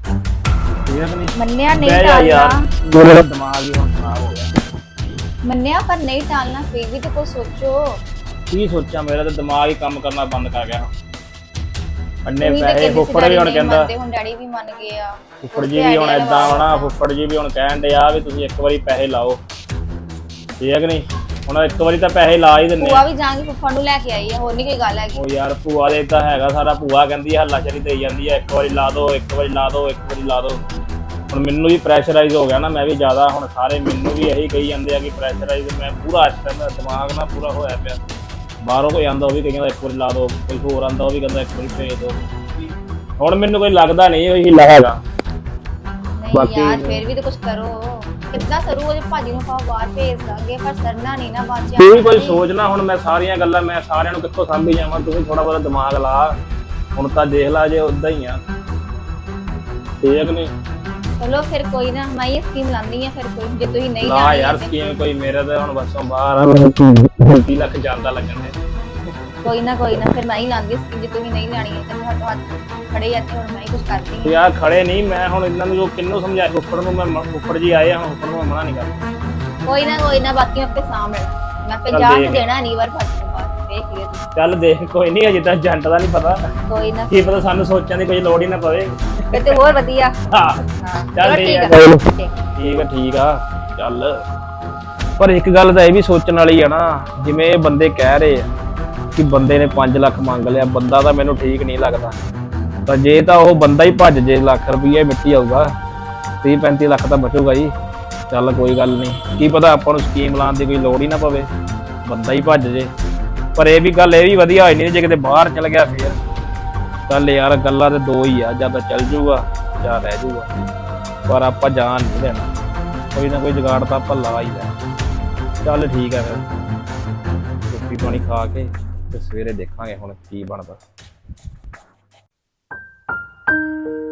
[SPEAKER 6] ਮੰਨਿਆ ਨਹੀਂ
[SPEAKER 1] ਯਾਰ
[SPEAKER 6] ਟਾਲਣਾ,
[SPEAKER 1] ਮੇਰਾ ਦਿਮਾਗ ਹੀ ਹੁਣ ਖਰਾਬ ਹੋ ਗਿਆ।
[SPEAKER 6] ਮੰਨਿਆ ਪਰ ਨਹੀਂ ਟਾਲਣਾ, ਫਿਰ ਵੀ ਤਾਂ ਕੁਝ ਸੋਚੋ।
[SPEAKER 1] ਕੀ ਸੋਚਾਂ, ਮੇਰਾ ਤਾਂ ਦਿਮਾਗ ਹੀ ਕੰਮ ਕਰਨਾ ਬੰਦ ਕਰ ਗਿਆ। ਅੰਨੇ
[SPEAKER 6] ਤੁਸੀਂ ਤਾਂ
[SPEAKER 1] ਪੈਸੇ
[SPEAKER 6] ਕਹਿੰਦੇ ਸੀ
[SPEAKER 1] ਫੁੱਫੜ ਵੀ ਹੁਣ
[SPEAKER 6] ਡੈਡੀ
[SPEAKER 1] ਕਹਿੰਦਾ,
[SPEAKER 6] ਮੰਨਦੇ, ਹੁਣ ਡੈਡੀ ਵੀ ਮੰਨ ਗਏ ਆ।
[SPEAKER 1] ਫੁੱਫੜ ਜੀ ਵੀ ਹੁਣ ਏਦਾਂ ਹੋਣਾ। ਫੁੱਫੜ ਜੀ ਵੀ ਹੁਣ ਕਹਿਣ ਦੇ ਆ ਵੀ ਤੁਸੀਂ ਇੱਕ ਵਾਰੀ ਪੈਸੇ ਲਾਓ, ਠੀਕ ਹੈ ਕਿ ਨਹੀਂ? ਹੁਣ ਇੱਕ ਵਾਰੀ ਤਾਂ ਪੈਸੇ ਲਾ ਹੀ ਦਿੰਨੇ
[SPEAKER 6] ਭੂਆ
[SPEAKER 1] ਆ।
[SPEAKER 6] ਵੀ ਜਾਣ ਕੇ ਫੁੱਫੜ ਨੂੰ ਲੈ ਕੇ ਆਈ ਆ, ਹੋਰ ਨਹੀਂ ਕੋਈ ਗੱਲ ਹੈਗੀ।
[SPEAKER 1] ਉਹ ਯਾਰ ਭੂਆ ਦੇ ਤਾਂ ਹੈਗਾ ਸਾਰਾ। ਭੂਆ ਕਹਿੰਦੀ ਹੱਲਾ ਸ਼ਰੀ ਦੇਈ ਜਾਂਦੀ ਆ, ਇੱਕ ਵਾਰੀ ਲਾ ਦੋ, ਇੱਕ ਵਾਰੀ ਲਾ ਦੋ, ਇੱਕ ਵਾਰੀ ਲਾ ਦੋ। ਹੁਣ ਮੈਨੂੰ ਵੀ ਪ੍ਰੈਸ਼ਰਾਈਜ਼ ਹੋ ਗਿਆ ਨਾ, ਮੈਂ ਵੀ ਜ਼ਿਆਦਾ। ਹੁਣ ਸਾਰੇ ਮੈਨੂੰ ਵੀ ਇਹੀ ਕਹੀ ਜਾਂਦੇ ਆ ਕਿ ਪ੍ਰੈਸ਼ਰਾਈਜ਼। ਮੈਂ ਪੂਰਾ ਇਸ ਟਾਈਮ ਦਿਮਾਗ ਨਾ ਪੂਰਾ ਹੋਇਆ ਪਿਆ। ਬਾਹਰੋਂ ਕੋਈ ਆਂਦਾ ਉਹ ਵੀ ਕਹਿੰਦਾ ਇੱਕ ਵਾਰੀ ਲਾ ਦੋ, ਕੋਈ ਹੋਰ ਆਂਦਾ ਉਹ ਵੀ ਕਹਿੰਦਾ ਇੱਕ ਵਾਰੀ ਭੇਜ ਦੋ। ਹੁਣ ਮੈਨੂੰ ਕੋਈ ਲੱਗਦਾ ਨਹੀਂ ਇਹ ਹਿੱਲਾ ਹੈਗਾ।
[SPEAKER 6] ਨਹੀਂ ਯਾਰ ਫਿਰ ਵੀ ਤਾਂ ਕੁਝ ਕਰੋ। ਕਿੱਦਾਂ ਸਰੂ ਉਹਦੇ ਭਾਜੀ ਨੂੰ ਆਪਾਂ ਬਾਹਰ ਭੇਜ ਦਾਂਗੇ ਪਰ ਸਰਨਾ ਨਹੀਂ ਨਾ ਬਾਚਿਆ
[SPEAKER 2] ਤੂੰ ਵੀ ਕੋਈ ਸੋਚਣਾ ਹੁਣ ਮੈਂ ਸਾਰੀਆਂ ਗੱਲਾਂ ਮੈਂ ਸਾਰਿਆਂ ਨੂੰ ਕਿੱਥੋਂ ਸਾਂਭੀ ਜਾਵਾਂ ਤੂੰ ਵੀ ਥੋੜਾ ਬਹੁਤਾ ਦਿਮਾਗ ਲਾ ਹੁਣ ਤਾਂ ਦੇਖ ਲਾ ਜੇ ਉਦਾਂ ਹੀ ਆ ਠੀਕ ਨਹੀਂ
[SPEAKER 6] ਚਲੋ ਫਿਰ ਕੋਈ ਨਾ ਮੈਂ ਇਹ ਸਕੀਮ ਲਾਉਂਦੀ ਆ ਫਿਰ ਕੋਈ ਜੇ ਤੁਸੀਂ ਨਹੀਂ
[SPEAKER 2] ਨਾ
[SPEAKER 6] ਲਾਣੀ
[SPEAKER 2] ਯਾਰ
[SPEAKER 6] ਤੇ
[SPEAKER 2] ਸਕੀਮ ਕੋਈ ਮੇਰੇ ਤਾਂ ਹੁਣ ਬਸੋਂ ਬਾਹਰ ਆ 30 ਲੱਖ ਜਾਂਦਾ ਲੱਗਣ ਦੇ
[SPEAKER 6] ਕੋਈ ਨਾ ਫਿਰ ਮੈਂ ਹੀ ਲਾਉਂਦੀ ਸਕੀਮ ਜੇ ਤੁਸੀਂ ਨਹੀਂ ਲਾਣੀ ਤੇ ਮੈਂ ਹੱਥ ਖੜੇ ਆ ਤੇ ਹੁਣ ਮੈਂ ਹੀ ਕੁਝ ਕਰਦੀ ਹਾਂ
[SPEAKER 2] ਯਾਰ ਖੜੇ ਨਹੀਂ ਮੈਂ ਹੁਣ ਇਹਨਾਂ ਨੂੰ ਜੋ ਕਿੰਨੂੰ ਸਮਝਾਇਆ ਉੱਪਰ ਨੂੰ ਮੈਂ ਉੱਪਰ ਜੀ ਆਏ ਆ ਹੁਣ ਉੱਪਰ ਨੂੰ ਮੈਂ ਮਨਾ ਨਹੀਂ ਕਰਦਾ
[SPEAKER 6] ਕੋਈ ਨਾ ਬਾਕੀ ਮੈਂ ਆਪੇ ਸਾਂਭ ਲੈਣਾ ਮੈਂ 50
[SPEAKER 2] ਦੇਖ।
[SPEAKER 6] ਨੂੰ ਦੇਣਾ ਨਹੀਂ ਵਾਰ ਭਾਜੀ ਤੋਂ ਬਾਅਦ ਦੇਖ ਲਿਓ ਤੁਸੀਂ
[SPEAKER 2] ਚੱਲ ਦੇਖ ਕੋਈ ਨਹੀਂ ਅਜੇ ਤਾਂ ਏਜੰਟ ਦਾ ਨਹੀਂ ਪਤਾ
[SPEAKER 6] ਕੋਈ ਨਾ
[SPEAKER 2] ਕੀ ਪਤਾ ਸਾਨੂੰ ਸੋਚਣ ਦੀ ਕੋਈ ਲੋੜ ਹੀ ਨਾ ਪਵੇ
[SPEAKER 6] ਫਿਰ ਤੇ ਹੋਰ ਵਧੀਆ
[SPEAKER 2] ਹਾਂ
[SPEAKER 6] ਹਾਂ
[SPEAKER 2] ਚੱਲ
[SPEAKER 6] ਚਲੋ
[SPEAKER 2] ਠੀਕ ਆ ਠੀਕ ਆ ਚੱਲ ਪਰ ਇੱਕ ਗੱਲ ਤਾਂ ਇਹ ਵੀ ਸੋਚਣ ਵਾਲੀ ਆ ਨਾ ਜਿਵੇਂ ਇਹ ਬੰਦੇ ਕਹਿ ਰਹੇ ਆ ਕਿ ਬੰਦੇ ਨੇ 5 ਲੱਖ ਮੰਗ ਲਿਆ ਬੰਦਾ ਤਾਂ ਮੈਨੂੰ ਠੀਕ ਨਹੀਂ ਲੱਗਦਾ ਤਾਂ ਜੇ ਤਾਂ ਉਹ ਬੰਦਾ ਹੀ ਭੱਜ ਜੇ ਲੱਖ ਰੁਪਈਆ ਮਿੱਟੀ ਆਊਗਾ 30-35 ਲੱਖ ਤਾਂ ਬਚੂਗਾ ਜੀ ਚੱਲ ਕੋਈ ਗੱਲ ਨਹੀਂ ਕੀ ਪਤਾ ਆਪਾਂ ਨੂੰ ਸਕੀਮ ਲਾਉਣ ਦੀ ਕੋਈ ਲੋੜ ਹੀ ਨਾ ਪਵੇ ਬੰਦਾ ਹੀ ਭੱਜ ਜੇ ਪਰ ਇਹ ਵੀ ਗੱਲ ਇਹ ਵੀ ਵਧੀਆ ਹੋਈ ਨਹੀਂ ਜੇ ਕਿਤੇ ਬਾਹਰ ਚਲ ਗਿਆ ਫੇਰ ਚੱਲ ਯਾਰ ਗੱਲਾਂ ਤੇ ਦੋ ਹੀ ਆ ਜਾਂ ਤਾਂ ਚੱਲ ਜੂਗਾ ਜਾਂ ਰਹਿ ਜੂਗਾ ਪਰ ਆਪਾਂ ਜਾਣ ਨਹੀਂ ਦੇਣਾ ਕੋਈ ਨਾ ਕੋਈ ਜੁਗਾੜ ਤਾਂ ਆਪਾਂ ਲਾ ਹੀ ਲੈਣਾ ਚੱਲ ਠੀਕ ਆ ਫਿਰ ਰੋਟੀ ਪਾਣੀ ਖਾ ਕੇ ਤੇ ਸਵੇਰੇ ਦੇਖਾਂਗੇ ਹੁਣ ਕੀ ਬਣਦਾ